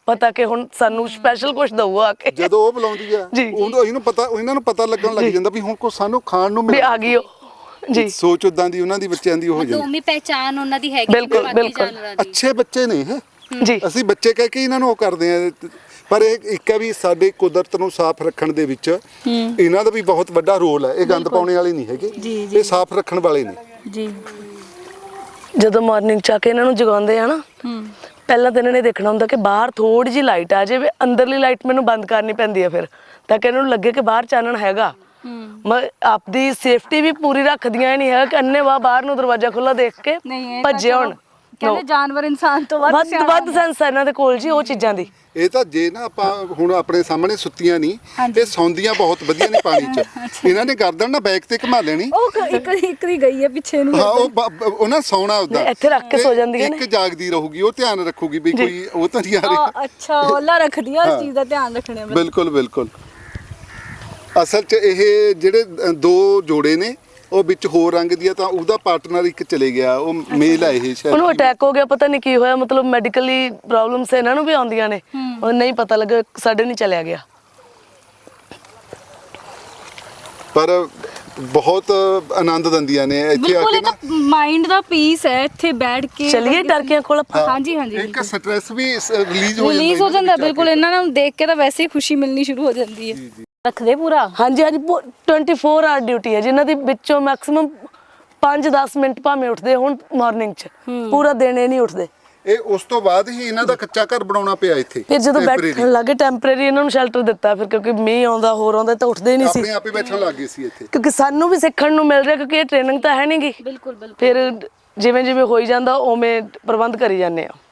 B: ਪਤਾ ਕਿ ਹੁਣ ਸਾਨੂੰ ਸਪੈਸ਼ਲ ਕੁਝ ਦਊਗਾ ਆ ਕੇ
C: ਜਦੋਂ ਉਹ ਬੁਲਾਉਂਦੀ ਆ ਉਦੋਂ ਇਹਨੂੰ ਪਤਾ ਇਹਨਾਂ ਨੂੰ ਪਤਾ ਲੱਗਣ ਲੱਗ ਜਾਂਦਾ ਵੀ ਹੁਣ ਕੋ ਸਾਨੂੰ ਖਾਣ ਨੂੰ
B: ਵੀ
C: ਮਿਲ
B: ਆ ਗਈ ਉਹ ਜੀ
C: ਸੋਚ ਉਦਾਂ ਦੀ ਉਹਨਾਂ ਦੀ ਬੱਚਿਆਂ ਦੀ ਹੋ ਜਾਂਦੀ
D: ਦੋਮੀ ਪਹਿਚਾਨ ਉਹਨਾਂ ਦੀ ਹੈਗੀ
B: ਬਿਲਕੁਲ,
D: ਬਾਕੀ
B: ਬਿਲਕੁਲ।
D: ਜਾਨਵਰਾਂ ਦੀ।
C: ਅੱਛੇ ਬੱਚੇ ਨੇ ਇਹ
B: ਜੀ
C: ਅਸੀਂ ਬੱਚੇ ਕਹਿ ਕੇ ਇਹਨਾਂ ਨੂੰ ਉਹ ਕਰਦੇ ਆ ਪਰ ਇਹ ਇੱਕ ਹੈ ਵੀ ਸਾਡੇ ਕੁਦਰਤ ਨੂੰ ਸਾਫ਼ ਰੱਖਣ ਦੇ ਵਿੱਚ ਇਹਨਾਂ ਦਾ ਵੀ ਬਹੁਤ ਵੱਡਾ ਰੋਲ ਹੈ ਇਹ ਗੰਦ ਪਾਉਣੇ ਵਾਲੇ ਨਹੀਂ ਹੈਗੇ ਇਹ ਸਾਫ਼ ਰੱਖਣ ਵਾਲੇ ਨੇ
A: ਜੀ
B: ਜਦੋਂ ਮਾਰਨਿੰਗ ਚ ਆ ਕੇ ਇਹਨਾਂ ਨੂੰ ਜਗਾਉਂਦੇ ਆ ਨਾ ਪਹਿਲਾਂ ਤਾਂ ਇਹਨਾਂ ਨੇ ਦੇਖਣਾ ਹੁੰਦਾ ਕਿ ਬਾਹਰ ਥੋੜੀ ਜਿਹੀ ਲਾਈਟ ਆ ਜਾਵੇ ਅੰਦਰਲੀ ਲਾਈਟ ਮੈਨੂੰ ਬੰਦ ਕਰਨੀ ਪੈਂਦੀ ਆ ਫਿਰ ਤਾਂ ਕਿ ਇਹਨਾਂ ਨੂੰ ਲੱਗੇ ਕਿ ਬਾਹਰ ਚਾਨਣ ਹੈਗਾ ਮੈਂ ਆਪਦੀ ਸੇਫਟੀ ਵੀ ਪੂਰੀ ਰੱਖਦੀਆਂ ਨਹੀਂ ਹੈ ਕਿ ਅੰਨੇ ਵਾ ਬਾਹਰ ਨੂੰ ਦਰਵਾਜ਼ਾ ਖੁੱਲਾ ਦੇਖ ਕੇ ਭੱਜੇ ਹੁਣ
A: ਕਹਿੰਦੇ ਜਾਨਵਰ ਇਨਸਾਨ ਤੋਂ ਵੱਧ
B: ਵੱਧ ਵੱਧ ਸੈਂਸ ਹੈ ਇਹਨਾਂ ਦੇ ਕੋਲ ਜੀ ਉਹ ਚੀਜ਼ਾਂ ਦੀ
C: ਇਹ ਤਾਂ ਜੇ ਨਾ ਆਪਾਂ ਹੁਣ ਆਪਣੇ ਸਾਹਮਣੇ ਸੁੱਤੀਆਂ ਨਹੀਂ ਇਹ ਸੌਂਦੀਆਂ ਬਹੁਤ ਵਧੀਆ ਨੇ ਪਾਣੀ 'ਚ ਇਹਨਾਂ ਨੇ ਗਰਦਨ ਨਾ ਬੈਕ ਤੇ ਘੁਮਾ ਲੈਣੀ
A: ਉਹ ਇੱਕ ਇੱਕ ਦੀ ਗਈ ਹੈ ਪਿੱਛੇ ਨੂੰ
C: ਹਾਂ ਉਹ ਬ- ਬ- ਉਹਨਾਂ ਸੌਣਾ ਉਦਾਂ
B: ਇੱਥੇ ਰੱਖ ਕੇ ਸੌ ਜਾਂਦੀਆਂ ਨੇ
C: ਇੱਕ ਜਾਗਦੀ ਰਹੂਗੀ ਉਹ ਧਿਆਨ ਰੱਖੂਗੀ ਵੀ ਕੋਈ ਉਹ ਤਾਂ ਨਹੀਂ ਆ ਰਿਹਾ
A: ਅੱਛਾ ਉਹਲਾ ਰੱਖਦੀ ਆ ਉਸ ਚੀਜ਼ ਦਾ ਧਿਆਨ ਰੱਖਣੇ
C: ਬਿਲਕੁਲ ਬਿਲਕੁਲ ਅਸਲ 'ਚ ਇਹ ਜਿਹੜੇ ਅ, ਦੋ ਜੋੜੇ ਨੇ ਉਹ ਵਿੱਚ ਹੋਰ ਰੰਗ ਦੀ ਆ ਤਾਂ ਉਹਦਾ ਪਾਰਟਨਰ ਇੱਕ ਚਲੇ ਗਿਆ ਉਹ ਮੇਲ ਆ ਇਹ ਸ਼ਾਇਦ
B: ਉਹਨੂੰ ਅਟੈਕ ਹੋ ਗਿਆ ਪਤਾ ਨਹੀਂ ਕੀ ਹੋਇਆ ਮਤਲਬ ਮੈਡੀਕਲੀ ਪ੍ਰੋਬਲਮਸ ਇਹਨਾਂ ਨੂੰ ਵੀ ਆਉਂਦੀਆਂ ਨੇ ਉਹ ਨਹੀਂ ਪਤਾ ਲੱਗਾ ਸਾਡੇ ਨਹੀਂ ਚਲਿਆ ਗਿਆ
C: ਪਰ ਬਹੁਤ ਆਨੰਦ ਦਿੰਦੀਆਂ ਨੇ ਇੱਥੇ ਆ
A: ਬਿਲਕੁਲ
C: ਕੇ
A: ਇੱਕ
C: ਨਾ
A: ਮਾਈਂਡ ਦਾ ਪੀਸ ਹੈ ਇੱਥੇ ਬੈਠ ਕੇ
B: ਚਲਿਏ ਟਰਕੀਆਂ ਕੋਲ ਆਪਾਂ
A: ਹਾਂਜੀ ਹਾਂਜੀ
C: ਇੱਕ ਸਟ੍ਰੈਸ ਵੀ ਰਿਲੀਜ਼ ਹੋ ਜਾਂਦਾ
A: ਰਿਲੀਜ਼ ਹੋ
C: ਇਹਨਾਂ
A: ਜਾਂਦਾ
C: ਵਿੱਚ ਆ
A: ਬਿਲਕੁਲ ਇਹਨਾਂ ਨੂੰ ਦੇਖ ਕੇ ਤਾਂ ਵੈਸੇ ਹੀ ਖੁਸ਼ੀ ਮਿਲਣੀ ਸ਼ੁਰੂ ਹੋ ਜਾਂਦੀ ਹੈ ਰੱਖਦੇ ਪੂਰਾ
B: ਹਾਂਜੀ ਹਾਂਜੀ ਟਵੈਂਟੀ ਫੋਰ ਆਵਰ ਡਿਊਟੀ ਹੈ ਜਿਨ੍ਹਾਂ ਦੀ ਵਿੱਚੋਂ ਮੈਕਸਿਮਮ ਪੰਜ ਦਸ ਮਿੰਟ ਭਾਵੇਂ ਉੱਠਦੇ ਹੁਣ ਮਾਰਨਿੰਗ 'ਚ ਪੂਰਾ ਦਿਨ ਇਹ ਨਹੀਂ ਉੱਠਦੇ
C: ਇਹ ਉਸ ਤੋਂ ਬਾਅਦ ਹੀ ਇਹਨਾਂ ਦਾ ਕੱਚਾ ਘਰ ਬਣਾਉਣਾ ਪਿਆ ਇੱਥੇ
B: ਫਿਰ ਜਦੋਂ
C: temporary।
B: ਬੈਠਣ ਲੱਗੇ ਟੈਂਪਰੇਰੀ ਇਹਨਾਂ ਨੂੰ ਸ਼ੈਲਟਰ ਦਿੱਤਾ ਫਿਰ ਕਿਉਂਕਿ ਮੀਂਹ ਆਉਂਦਾ ਹੋਰ ਆਉਂਦਾ ਤਾਂ ਉੱਠਦੇ ਹੀ ਨਹੀਂ ਸੀ
C: ਆਪਣੇ ਆਪ ਹੀ ਬੈਠਣ ਲੱਗ ਗਏ ਸੀ ਇੱਥੇ
B: ਕਿਉਂਕਿ ਸਾਨੂੰ ਵੀ ਸਿੱਖਣ ਨੂੰ ਮਿਲ ਰਿਹਾ ਕਿਉਂਕਿ ਇਹ ਟ੍ਰੇਨਿੰਗ ਤਾਂ ਹੈ ਨਹੀਂਗੀ
A: ਬਿਲਕੁਲ ਬਿਲਕੁਲ
B: ਫਿਰ ਜਿਵੇਂ ਜਿਵੇਂ ਹੋਈ ਜਾਂਦਾ ਉਵੇਂ ਪ੍ਰਬੰਧ ਕਰੀ ਜਾਂਦੇ ਆ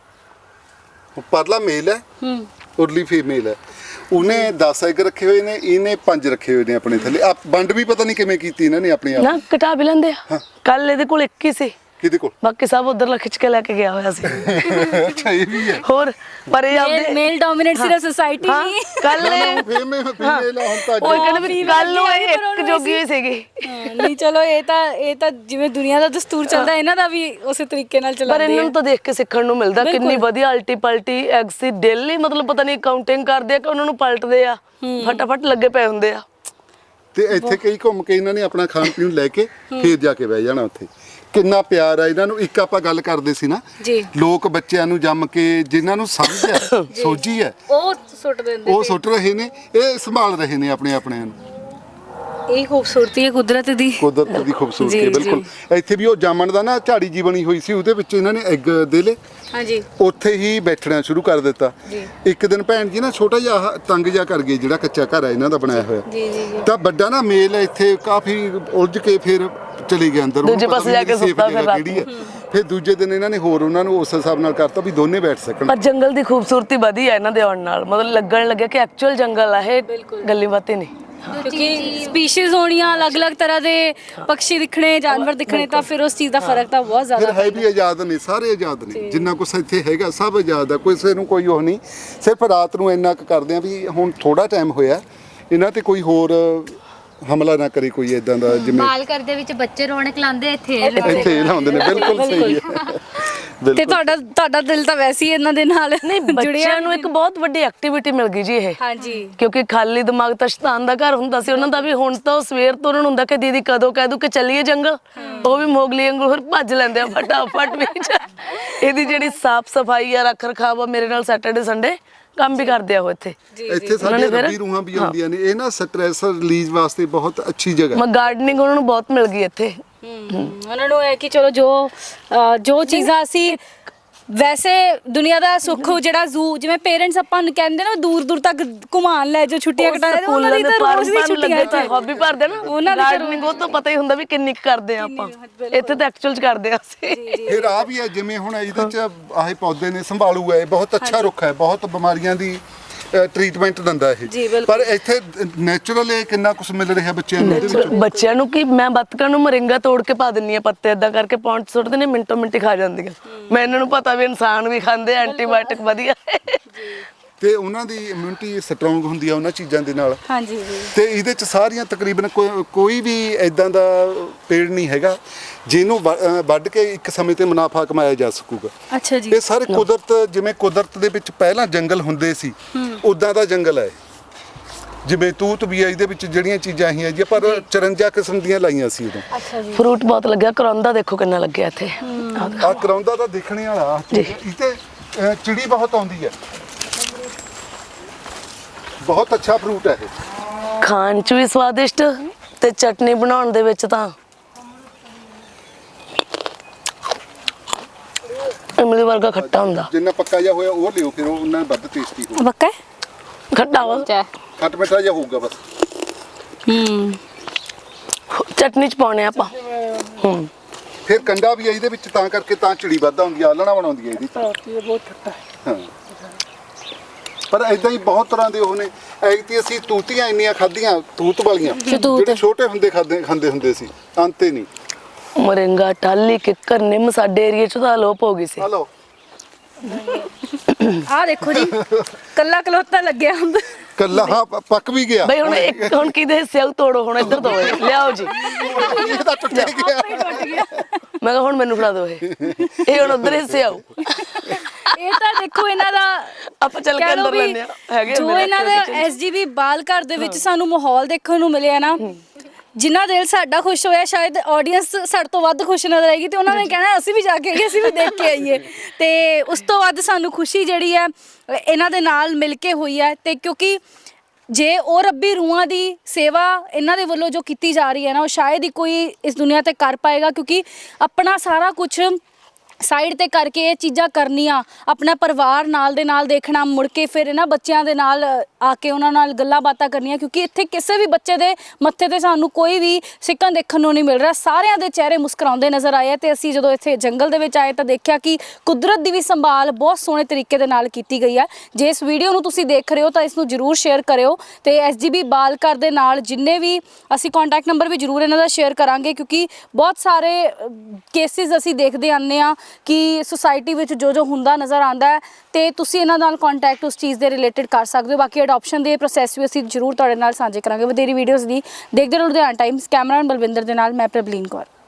C: ਪਰਲਾ ਮੇਲ ਹੈ
A: ਹੂੰ
C: ਉਰਲੀ ਫੀਮੇਲ ਹੈ ਉਹਨੇ ਦਸ ਐਗ ਰੱਖੇ ਹੋਏ ਨੇ ਇਹਨੇ ਪੰਜ ਰੱਖੇ ਹੋਏ ਨੇ ਆਪਣੇ ਥੱਲੇ ਆ ਵੰਡ ਵੀ ਪਤਾ ਨਹੀਂ ਕਿਵੇਂ ਕੀਤੀ ਇਹਨਾਂ ਨੇ ਆਪਣੇ ਆਪ
B: ਨਾ ਕਟਾ ਵੀ ਲੈਂਦੇ ਆ ਕੱਲ ਇਹਦੇ ਕੋਲ ਇੱਕ ਹੀ ਸੀ
C: ਕਿਹਦੇ ਕੋਲ
B: ਬਾਕੀ ਸਭ ਉਧਰ ਖਿੱਚ ਕੇ ਲੈ ਕੇ ਗਿਆ ਹੋਇਆ ਸੀ
C: ਅੱਛਾ ਇਹ ਵੀ ਹੈ
B: ਹੋਰ ਪਰ ਇਹ ਆਪਦੇ
A: ਮੇਲ ਡੋਮੀਨੇਟ ਸਿਰਫ ਸੋਸਾਇਟੀ
B: ਹਾਂ
A: ਨਹੀਂ
B: ਕੱਲ ਇਹ
C: ਫੀਮੇਲ ਫੀਮੇਲ ਹੁਣ ਤਾਂ
B: ਉਹ ਕਹਿੰਦੇ ਵੀ ਕੱਲ ਨੂੰ ਇਹ ਇੱਕ ਜੋਗੀ ਹੋਈ ਸੀਗੀ
A: ਹਾਂ, ਨਹੀਂ ਚਲੋ ਇਹ ਤਾਂ ਇਹ ਤਾਂ ਜਿਵੇਂ ਦੁਨੀਆ ਦਾ ਦਸਤੂਰ ਚੱਲਦਾ ਇਹਨਾਂ ਦਾ ਵੀ ਉਸੇ ਤਰੀਕੇ ਨਾਲ
B: ਪਰ
A: ਚੱਲਦਾ
B: ਇਹਨਾਂ ਨੂੰ ਤਾਂ ਦੇਖ ਕੇ ਸਿੱਖਣ ਨੂੰ ਮਿਲਦਾ ਕਿੰਨੀ ਵਧੀਆ ਅਲਟੀ ਪਲਟੀ ਐਗਸ ਦੀ ਡੇਲੀ ਮਤਲਬ ਪਤਾ ਨਹੀਂ ਕਾਊਂਟਿੰਗ ਕਰਦੇ ਆ ਕਿ ਉਹਨਾਂ ਨੂੰ ਪਲਟਦੇ ਆ ਫਟਾਫਟ ਲੱਗੇ ਪਏ ਹੁੰਦੇ ਆ
C: ਤੇ ਇੱਥੇ ਕਈ ਘੁੰਮ ਕੇ ਇਹਨਾਂ ਨੇ ਆਪਣਾ ਖਾਣ ਪੀਣ ਲੈ ਕੇ ਫੇਰ ਜਾ ਕੇ ਬਹਿ ਜਾਣਾ ਉੱਥੇ ਕਿੰਨਾ ਪਿਆਰ ਆ ਇਹਨਾਂ ਨੂੰ ਇੱਕ ਆਪਾਂ ਗੱਲ ਕਰਦੇ ਸੀ ਨਾ
A: ਜੀ
C: ਲੋਕ ਬੱਚਿਆਂ ਨੂੰ ਜੰਮ ਕੇ ਜਿਨ੍ਹਾਂ ਨੂੰ ਸਮਝ ਹੈ ਸੋਝੀ ਹੈ
A: ਉਹ ਸੁੱਟ ਦਿੰਦੇ
C: ਉਹ ਸੁੱਟ ਰਹੇ ਨੇ ਇਹ ਸੰਭਾਲ ਰਹੇ ਨੇ ਆਪਣੇ ਆਪਣਿਆਂ ਨੂੰ
A: ਇਹ ਖੂਬਸੂਰਤੀ ਹੈ ਕੁਦਰਤ ਦੀ
C: ਕੁਦਰਤ ਦੀ ਖੂਬਸੂਰਤੀ ਹੈ
A: ਜੀ,
C: ਬਿਲਕੁਲ ਇੱਥੇ ਵੀ ਉਹ ਜਾਮਣ ਦਾ ਨਾ ਝਾੜੀ ਜੀ ਬਣੀ ਹੋਈ ਸੀ ਉਹਦੇ ਵਿੱਚ ਇਹਨਾਂ ਨੇ ਐਗ ਦੇ ਲੇ
A: ਹਾਂਜੀ
C: ਉੱਥੇ ਹੀ ਬੈਠਣਾ ਸ਼ੁਰੂ ਕਰ ਦਿੱਤਾ ਇੱਕ ਦਿਨ ਭੈਣ ਜੀ ਨਾ ਛੋਟਾ ਜਿਹਾ ਆਹ ਤੰਗ ਜਿਹਾ ਕਰ ਗਏ ਜਿਹੜਾ ਕੱਚਾ ਘਰ ਹੈ ਇਹਨਾਂ ਦਾ ਬਣਾਇਆ ਹੋਇਆ
A: ਜੀ ਜੀ ਜੀ
C: ਤਾਂ ਵੱਡਾ ਨਾ ਮੇਲ ਇੱਥੇ ਕਾਫੀ ਉਲਝ ਕੇ ਫਿਰ ਚਲੇ ਗਿਆ ਅੰਦਰ
B: ਦੂਜੇ ਪਾਸੇ ਜਾ ਕੇ ਸੁੱਤਾ ਫਿਰ ਰਾਤ
C: ਕਿਹੜੀ ਹੈ ਫਿਰ ਦੂਜੇ ਦਿਨ ਇਹਨਾਂ ਨੇ ਹੋਰ ਉਹਨਾਂ ਨੂੰ ਉਸ ਹਿਸਾਬ ਨਾਲ ਕਰਤਾ ਵੀ ਦੋਨੇ ਬੈਠ ਸਕਣ
B: ਪਰ ਜੰਗਲ ਦੀ ਖੂਬਸੂਰਤੀ ਵਧੀ ਹੈ ਇਹਨਾਂ ਦੇ ਆਉਣ ਨਾਲ ਮਤਲਬ ਲੱਗਣ ਲੱਗਿਆ ਕਿ ਐਕਚੁਅਲ ਜੰਗਲ ਆ ਇਹ ਗੱਲੀ ਬਾਤੀ ਨਹੀਂ
A: ਕਿਉਂਕਿ ਸਪੀਸੀਜ਼ ਹੋਣੀਆਂ ਅਲੱਗ-ਅਲੱਗ ਤਰ੍ਹਾਂ ਦੇ ਪੰਛੀ ਦਿਖਣੇ ਜਾਨਵਰ ਦਿਖਣੇ ਤਾਂ ਫਿਰ ਉਸ ਚੀਜ਼ ਦਾ ਫਰਕ ਤਾਂ ਬਹੁਤ
C: ਫਿਰ
A: ਜ਼ਿਆਦਾ
C: ਹੈ ਵੀ ਆਜ਼ਾਦ ਨੇ ਸਾਰੇ ਆਜ਼ਾਦ ਨੇ ਜਿੰਨਾ ਕੁਛ ਇੱਥੇ ਹੈਗਾ ਸਭ ਆਜ਼ਾਦ ਹੈ ਕਿਸੇ ਨੂੰ ਕੋਈ ਉਹ ਨਹੀਂ ਸਿਰਫ ਰਾਤ ਨੂੰ ਇੰਨਾ ਕੁ ਕਰਦੇ ਆ ਵੀ ਹੁਣ ਥੋੜਾ ਟਾਈਮ ਹੋਇਆ ਇਹਨਾਂ ਤੇ ਕੋਈ ਹੋਰ ਹਮਲਾ ਨਾ ਕਰੇ ਕੋਈ ਇਦਾਂ ਦਾ ਜਿਵੇਂ
D: ਮਾਲ ਕਰਦੇ ਵਿੱਚ ਬੱਚੇ ਰੌਣਕ ਲਾਉਂਦੇ ਇੱਥੇ ਇਹ ਲਾਉਂਦੇ।
C: ਇੱਥੇ ਇਹ ਲਾਉਂਦੇ ਨੇ ਬਿਲਕੁਲ ਸਹੀ ਹੈ
A: ਤੇ
C: ਬਿਲਕੁਲ
A: ਤੁਹਾਡਾ ਤੁਹਾਡਾ ਦਿਲ ਤਾਂ ਵੈਸੇ ਹੀ ਇਹਨਾਂ ਦੇ ਨਾਲ
B: ਨਹੀਂ ਬੱਚਿਆਂ ਨੂੰ ਇੱਕ ਬਹੁਤ ਵੱਡੀ ਐਕਟੀਵਿਟੀ ਮਿਲ ਗਈ ਜੀ ਇਹ
A: ਹਾਂਜੀ
B: ਕਿਉਂਕਿ ਖਾਲੀ ਦਿਮਾਗ ਤਾਂ ਸ਼ੈਤਾਨ ਦਾ ਘਰ ਹੁੰਦਾ ਸੀ ਉਹਨਾਂ ਦਾ ਵੀ ਹੁਣ ਤਾਂ ਉਹ ਸਵੇਰ ਤੋਂ ਉਹਨਾਂ ਨੂੰ ਹੁੰਦਾ ਕਿ ਦੀਦੀ ਕਦੋਂ ਕਹਿ ਦੂ ਕਿ ਚੱਲੀਏ ਜੰਗਲ ਉਹ ਵੀ ਮੋਗਲੀ ਵਾਂਗੂ ਫਿਰ ਭੱਜ ਲੈਂਦੇ ਆ ਫਟਾਫਟ ਵਿੱਚ ਇਹਦੀ ਜਿਹੜੀ ਸਾਫ ਸਫਾਈ ਆ ਰੱਖ ਰਖਾਵ ਆ ਮੇਰੇ ਨਾਲ ਸੈਟਰਡੇ ਸੰਡੇ ਕੰਮ ਵੀ ਕਰਦੇ ਆ ਉਹ ਇੱਥੇ
C: ਇੱਥੇ ਸਾਡੇ ਰੱਬੀ ਰੂਹਾਂ ਵੀ ਆਉਂਦੀਆਂ ਨੇ ਇਹ ਨਾ ਸਟ੍ਰੈਸ ਰਿਲੀਜ਼ ਵਾਸਤੇ ਬਹੁਤ ਅੱਛੀ ਜਗ੍ਹਾ
B: ਮੈਂ ਗਾਰਡਨਿੰਗ ਉਹਨਾਂ ਨੂੰ ਬਹੁਤ ਮਿਲ ਗਈ ਇੱਥੇ
A: ਉਹਨਾਂ ਨੂੰ ਹੈ ਕਿ ਚਲੋ ਜੋ ਅਹ, ਜੋ ਚੀਜ਼ਾਂ ਅਸੀਂ ਵੈਸੇ ਦੁਨੀਆ ਦਾ ਸੁੱਖ ਜਿਹੜਾ ਜ਼ੂ ਜਿਵੇਂ ਪੇਰੈਂਟਸ ਆਪਾਂ ਨੂੰ ਕਹਿੰਦੇ ਨਾ ਦੂਰ ਦੂਰ ਤੱਕ ਘੁਮਾਉਣ ਲੈ ਜੋ ਛੁੱਟੀਆਂ ਕਟਾਉਂਦੇ ਉਹਨਾਂ ਦੀ ਤਾਂ ਰੋਜ਼ ਦੀ ਛੁੱਟੀਆਂ ਚ
B: ਹੌਬੀ ਭਰਦੇ ਨਾ
A: ਉਹਨਾਂ ਦੀ
B: ਗਾਰਡਨਿੰਗ ਉਹ ਤਾਂ ਪਤਾ ਹੀ ਹੁੰਦਾ ਵੀ ਕਿੰਨੀ ਕੁ ਕਰਦੇ ਆ ਆਪਾਂ ਇੱਥੇ ਤਾਂ ਐਕਚੁਅਲ ਚ ਕਰਦੇ ਆ ਅਸੀਂ
C: ਫਿਰ ਆ ਵੀ ਹੈ ਜਿਵੇਂ ਹੁਣ ਇਹਦੇ ਚ ਆਹੇ ਪੌਦੇ ਨੇ ਸੰਭਾਲੂ ਹੈ ਬਹੁਤ ਅੱਛਾ ਰੁੱਖ ਹੈ ਬਹੁਤ ਬਿਮਾਰੀਆਂ ਦੀ ਟ੍ਰੀਟਮੈਂਟ ਦਿੰਦਾ ਇਹ ਪਰ ਇੱਥੇ ਨੇਚਰਲ ਇਹ ਕਿੰਨਾ ਕੁਝ ਮਿਲ ਰਿਹਾ ਬੱਚਿਆਂ ਨੂੰ ਇਹਦੇ ਵਿੱਚ
B: ਬੱਚਿਆਂ ਨੂੰ ਕੀ ਮੈਂ ਬੱਤਕਾਂ ਨੂੰ ਮਰਿੰਗਾ ਤੋੜ ਕੇ ਪਾ ਦਿੰਨੀ ਆ ਪੱਤੇ ਇਦਾਂ ਕਰਕੇ ਪੌਂਟ ਸੁੱਟਦੇ ਨੇ ਮਿੰਟੋ ਮਿੰਟੀ ਖਾ ਜਾਂਦੀਆਂ ਮੈਂ ਇਹਨਾਂ ਨੂੰ ਪਤਾ ਵੀ ਇਨਸਾਨ ਵੀ ਖਾਂਦੇ ਐਂਟੀਬਾਇਓਟਿਕ ਵਧੀਆ
C: ਤੇ ਉਹਨਾਂ ਦੀ ਇਮਿਊਨਿਟੀ ਸਟਰੋਂਗ ਹੁੰਦੀ ਆ ਉਹਨਾਂ ਚੀਜ਼ਾਂ ਦੇ ਨਾਲ।
A: ਹਾਂਜੀ ਜੀ।
C: ਤੇ ਇਹਦੇ ਚ ਸਾਰੀਆਂ ਤਕਰੀਬਨ ਕੋ- ਕੋਈ ਵੀ ਇਦਾਂ ਦਾ ਪੇੜ ਨਹੀਂ ਹੈਗਾ ਜਿਹਨੂੰ ਵ- ਅਹ ਵੱਢ ਕੇ ਇੱਕ ਸਮੇਂ ਤੇ ਮੁਨਾਫਾ ਕਮਾਇਆ ਜਾ ਸਕੂਗਾ।
A: ਅੱਛਾ ਜੀ।
C: ਇਹ ਸਾਰੇ ਕੁਦਰਤ, ਜਿਵੇਂ ਕੁਦਰਤ ਦੇ ਵਿੱਚ ਪਹਿਲਾਂ ਜੰਗਲ ਹੁੰਦੇ ਸੀ ਉਦਾਂ ਦਾ ਜੰਗਲ ਹੈ। ਜਿਵੇਂ ਤੂਤ ਵੀ ਹੈ, ਇਹਦੇ ਵਿੱਚ ਜਿਹੜੀਆਂ ਚੀਜ਼ਾਂ ਆਈਆਂ ਜੀ, ਪਰ ਚੁਰੰਜਾ ਕਿਸਮ ਦੀਆਂ ਲਾਈਆਂ ਸੀ ਉਦੋਂ।
A: ਅੱਛਾ ਜੀ।
B: ਫਰੂਟ ਬਹੁਤ ਲੱਗਿਆ, ਕਰੌਂਦਾ ਦੇਖੋ ਕਿੰਨਾ ਲੱਗਿਆ ਇੱਥੇ।
C: ਆ ਕਰਾਉਂਦਾ ਤਾਂ ਦੇਖਣੇ ਵਾਲਾ ਇੱਥੇ ਅਹ, ਚਿੜੀ ਬਹੁਤ ਆਉਂਦੀ ਹੈ। ਬਹੁਤ ਅੱਛਾ ਫਰੂਟ ਹੈ ਇਹ।
B: ਖਾਣ ਚ ਵੀ ਸਵਾਦਿਸ਼ਟ ਤੇ ਚਟਨੀ ਬਣਾਉਣ ਦੇ ਵਿੱਚ ਤਾਂ ਇਮਲੀ ਵਰਗਾ ਖੱਟਾ ਹੁੰਦਾ।
C: ਜਿੰਨਾ ਪੱਕਾ ਜਿਹਾ ਹੋਇਆ ਉਹ ਲਿਓ, ਫਿਰ ਉਹ ਉਹਨਾਂ ਵੱਧ ਟੇਸਟੀ ਹੋਊ।
A: ਬੱਕਾ
B: ਖੱਟਾ ਵਾ,
C: ਖੱਟ ਮਿੱਠਾ ਜਿਹਾ ਹੋਊਗਾ ਬਸ।
A: ਹੂੰ।
B: ਚਟਨੀ ਚ ਪਾਉਣੇ ਆਪਾਂ। ਹੂੰ।
C: ਫਿਰ ਕੰਡਾ ਵੀ ਹੈ ਇਹਦੇ ਵਿੱਚ, ਤਾਂ ਕਰਕੇ ਤਾਂ ਚਿੜੀ ਵੱਧ ਆਉਂਦੀ ਆ, ਆਲਣਾ ਬਣਾਉਂਦੀ ਹੈ ਇਹਦੀ।
B: ਬਹੁਤ ਖੱਟਾ
C: ਹਾਂ, ਪਰ ਇਦਾਂ ਹੀ ਬਹੁਤ ਤਰ੍ਹਾਂ ਦੇ ਉਹ ਨੇ। ਐਤੀ ਅਸੀਂ ਤੂਤੀਆਂ ਇੰਨੀਆਂ ਖਾਧੀਆਂ, ਤੂਤ ਵਾਲੀਆਂ, ਜਿਹੜੇ ਛੋਟੇ ਹੁੰਦੇ ਖਾਦੇ ਖਾਂਦੇ ਹੁੰਦੇ ਸੀ, ਅੰਤੇ ਨਹੀਂ।
B: ਮਰਿੰਗਾ, ਟਾਲੀ, ਕਿੱਕਰ, ਨਿੰਮ ਸਾਡੇ ਏਰੀਏ ਚ ਤਾਂ ਅਲੋਪ ਹੋ ਗਈ ਸੀ।
C: ਹਲੋ
A: ਆਹ ਦੇਖੋ ਜੀ, ਕੱਲਾ ਕਲੋਤਾ ਲੱਗਿਆ ਹੁੰਦਾ।
C: ਕੱਲਾ ਹਾਂ ਪ- ਪੱਕ ਵੀ ਗਿਆ।
B: ਬਈ ਹੁਣ ਇੱਕ ਹੁਣ ਕਿਹਦੇ ਹਿੱਸੇ ਆਉ ਤੋੜੋ, ਹੁਣ ਇੱਧਰ ਦੋ ਲਿਆਓ ਜੀ।
C: ਇਹ ਤਾਂ ਟੁੱਟ ਗਿਆ।
A: ਟੁੱਟ ਗਿਆ।
B: ਮੈਂ ਕਿਹਾ ਹੁਣ ਮੈਨੂੰ ਫੜਾ ਦਿਓ ਇਹ ਇਹ ਹੁਣ ਉਧਰ ਹਿੱਸੇ ਆਉ।
A: ਇਹ ਤਾਂ ਦੇਖੋ ਇਹਨਾਂ ਦਾ
B: ਆਪਾਂ ਚੱਲ ਕੇ
A: ਕਹਿ ਲਓ
B: ਅੰਦਰ
A: ਵੀ
B: ਲੈਂਦੇ ਆ। ਹੈਗੇ
A: ਜੋ
B: ਅੰਦਰ
A: ਇਹਨਾਂ ਦਾ ਐਸਜੀਬੀ ਬਾਲ ਘਰ ਦੇ ਵਿੱਚ ਸਾਨੂੰ ਮਾਹੌਲ ਦੇਖਣ ਨੂੰ ਮਿਲਿਆ ਨਾ, ਜਿੰਨਾ ਦਿਲ ਸਾਡਾ ਖੁਸ਼ ਹੋਇਆ, ਸ਼ਾਇਦ ਆਡੀਅנס ਸਾਡੇ ਤੋਂ ਵੱਧ ਖੁਸ਼ ਨਜ਼ਰ ਆਏਗੀ ਤੇ ਉਹਨਾਂ ਨੇ ਕਹਿਣਾ ਅਸੀਂ ਵੀ ਜਾ ਕੇ ਆਈਏ, ਅਸੀਂ ਵੀ ਦੇਖ ਕੇ ਆਈਏ। ਤੇ ਉਸ ਤੋਂ ਵੱਧ ਸਾਨੂੰ ਖੁਸ਼ੀ ਜਿਹੜੀ ਹੈ ਇਹਨਾਂ ਦੇ ਨਾਲ ਮਿਲ ਕੇ ਹੋਈ ਹੈ। ਤੇ ਕਿਉਂਕਿ ਜੇ ਉਹ ਰੱਬੀ ਰੂਹਾਂ ਦੀ ਸੇਵਾ ਇਹਨਾਂ ਦੇ ਵੱਲੋਂ ਜੋ ਕੀਤੀ ਜਾ ਰਹੀ ਹੈ ਨਾ, ਉਹ ਸ਼ਾਇਦ ਹੀ ਕੋਈ ਇਸ ਦੁਨੀਆ ਤੇ ਕਰ ਪਾਏਗਾ, ਕਿਉਂਕਿ ਆਪਣਾ ਸਾਰਾ ਕੁਝ ਸਾਈਡ ਤੇ ਕਰਕੇ ਇਹ ਚੀਜ਼ਾਂ ਕਰਨੀਆਂ, ਆਪਣਾ ਪਰਿਵਾਰ ਨਾਲ ਦੇ ਨਾਲ ਦੇਖਣਾ, ਮੁੜ ਕੇ ਫਿਰ ਇਹਨਾਂ ਬੱਚਿਆਂ ਦੇ ਨਾਲ ਆ ਕੇ ਉਹਨਾਂ ਨਾਲ ਗੱਲਾਂ ਬਾਤਾਂ ਕਰਨੀਆਂ, ਕਿਉਂਕਿ ਇੱਥੇ ਕਿਸੇ ਵੀ ਬੱਚੇ ਦੇ ਮੱਥੇ ਤੇ ਸਾਨੂੰ ਕੋਈ ਵੀ ਸਿੱਕਣ ਦੇਖਣ ਨੂੰ ਨਹੀਂ ਮਿਲ ਰਿਹਾ। ਸਾਰਿਆਂ ਦੇ ਚਿਹਰੇ ਮੁਸਕਰਾਉਂਦੇ ਨਜ਼ਰ ਆਏ। ਤੇ ਅਸੀਂ ਜਦੋਂ ਇੱਥੇ ਜੰਗਲ ਦੇ ਵਿੱਚ ਆਏ ਤਾਂ ਦੇਖਿਆ ਕਿ ਕੁਦਰਤ ਦੀ ਵੀ ਸੰਭਾਲ ਬਹੁਤ ਸੋਹਣੇ ਤਰੀਕੇ ਦੇ ਨਾਲ ਕੀਤੀ ਗਈ ਹੈ। ਜੇ ਇਸ ਵੀਡੀਓ ਨੂੰ ਤੁਸੀਂ ਦੇਖ ਰਹੇ ਹੋ ਤਾਂ ਇਸ ਨੂੰ ਜ਼ਰੂਰ ਸ਼ੇਅਰ ਕਰਿਓ ਤੇ ਐਸਜੀਬੀ ਬਾਲ ਘਰ ਦੇ ਨਾਲ ਜਿੰਨੇ ਵੀ ਅਸੀਂ ਕੰਟੈਕਟ ਨੰਬਰ ਵੀ ਜ਼ਰੂਰ ਇਹਨਾਂ ਦਾ ਸ਼ੇਅਰ ਕਰਾਂਗੇ, ਕਿਉਂਕਿ ਬਹੁਤ ਸਾਰੇ ਕੇਸਿਸ ਅਸੀਂ ਦੇਖਦੇ ਆਉਂਦੇ ਹਾਂ ਕਿ ਸੁਸਾਇਟੀ ਵਿੱਚ ਜੋ ਜੋ ਹੁੰਦਾ ਨਜ਼ਰ ਆਉਂਦਾ ਹੈ, ਤੇ ਤੁਸੀਂ ਇਹਨਾਂ ਨਾਲ ਕੰਟੈਕਟ ਉਸ ਚੀਜ਼ ਦੇ ਰਿਲੇਟਡ ਕਰ ਸਕਦੇ ਹੋ। ਬਾਕੀ ਅਡਾਪਸ਼ਨ ਦੇ ਪ੍ਰੋਸੈਸ ਵੀ ਅਸੀਂ ਜ਼ਰੂਰ ਤੁਹਾਡੇ ਨਾਲ ਸਾਂਝੇ ਕਰਾਂਗੇ। ਵਧੇਰੀ ਵੀਡੀਓਜ਼ ਦੀ ਦੇਖਦੇ ਰਹੋ ਲੁਧਿਆਣਾ ਟਾਈਮਸ। ਕੈਮਰਾਮੈਨ ਬਲਵਿੰਦਰ ਦੇ ਨਾਲ ਮੈਂ ਪ੍ਰਬਲੀਨ ਕੌਰ।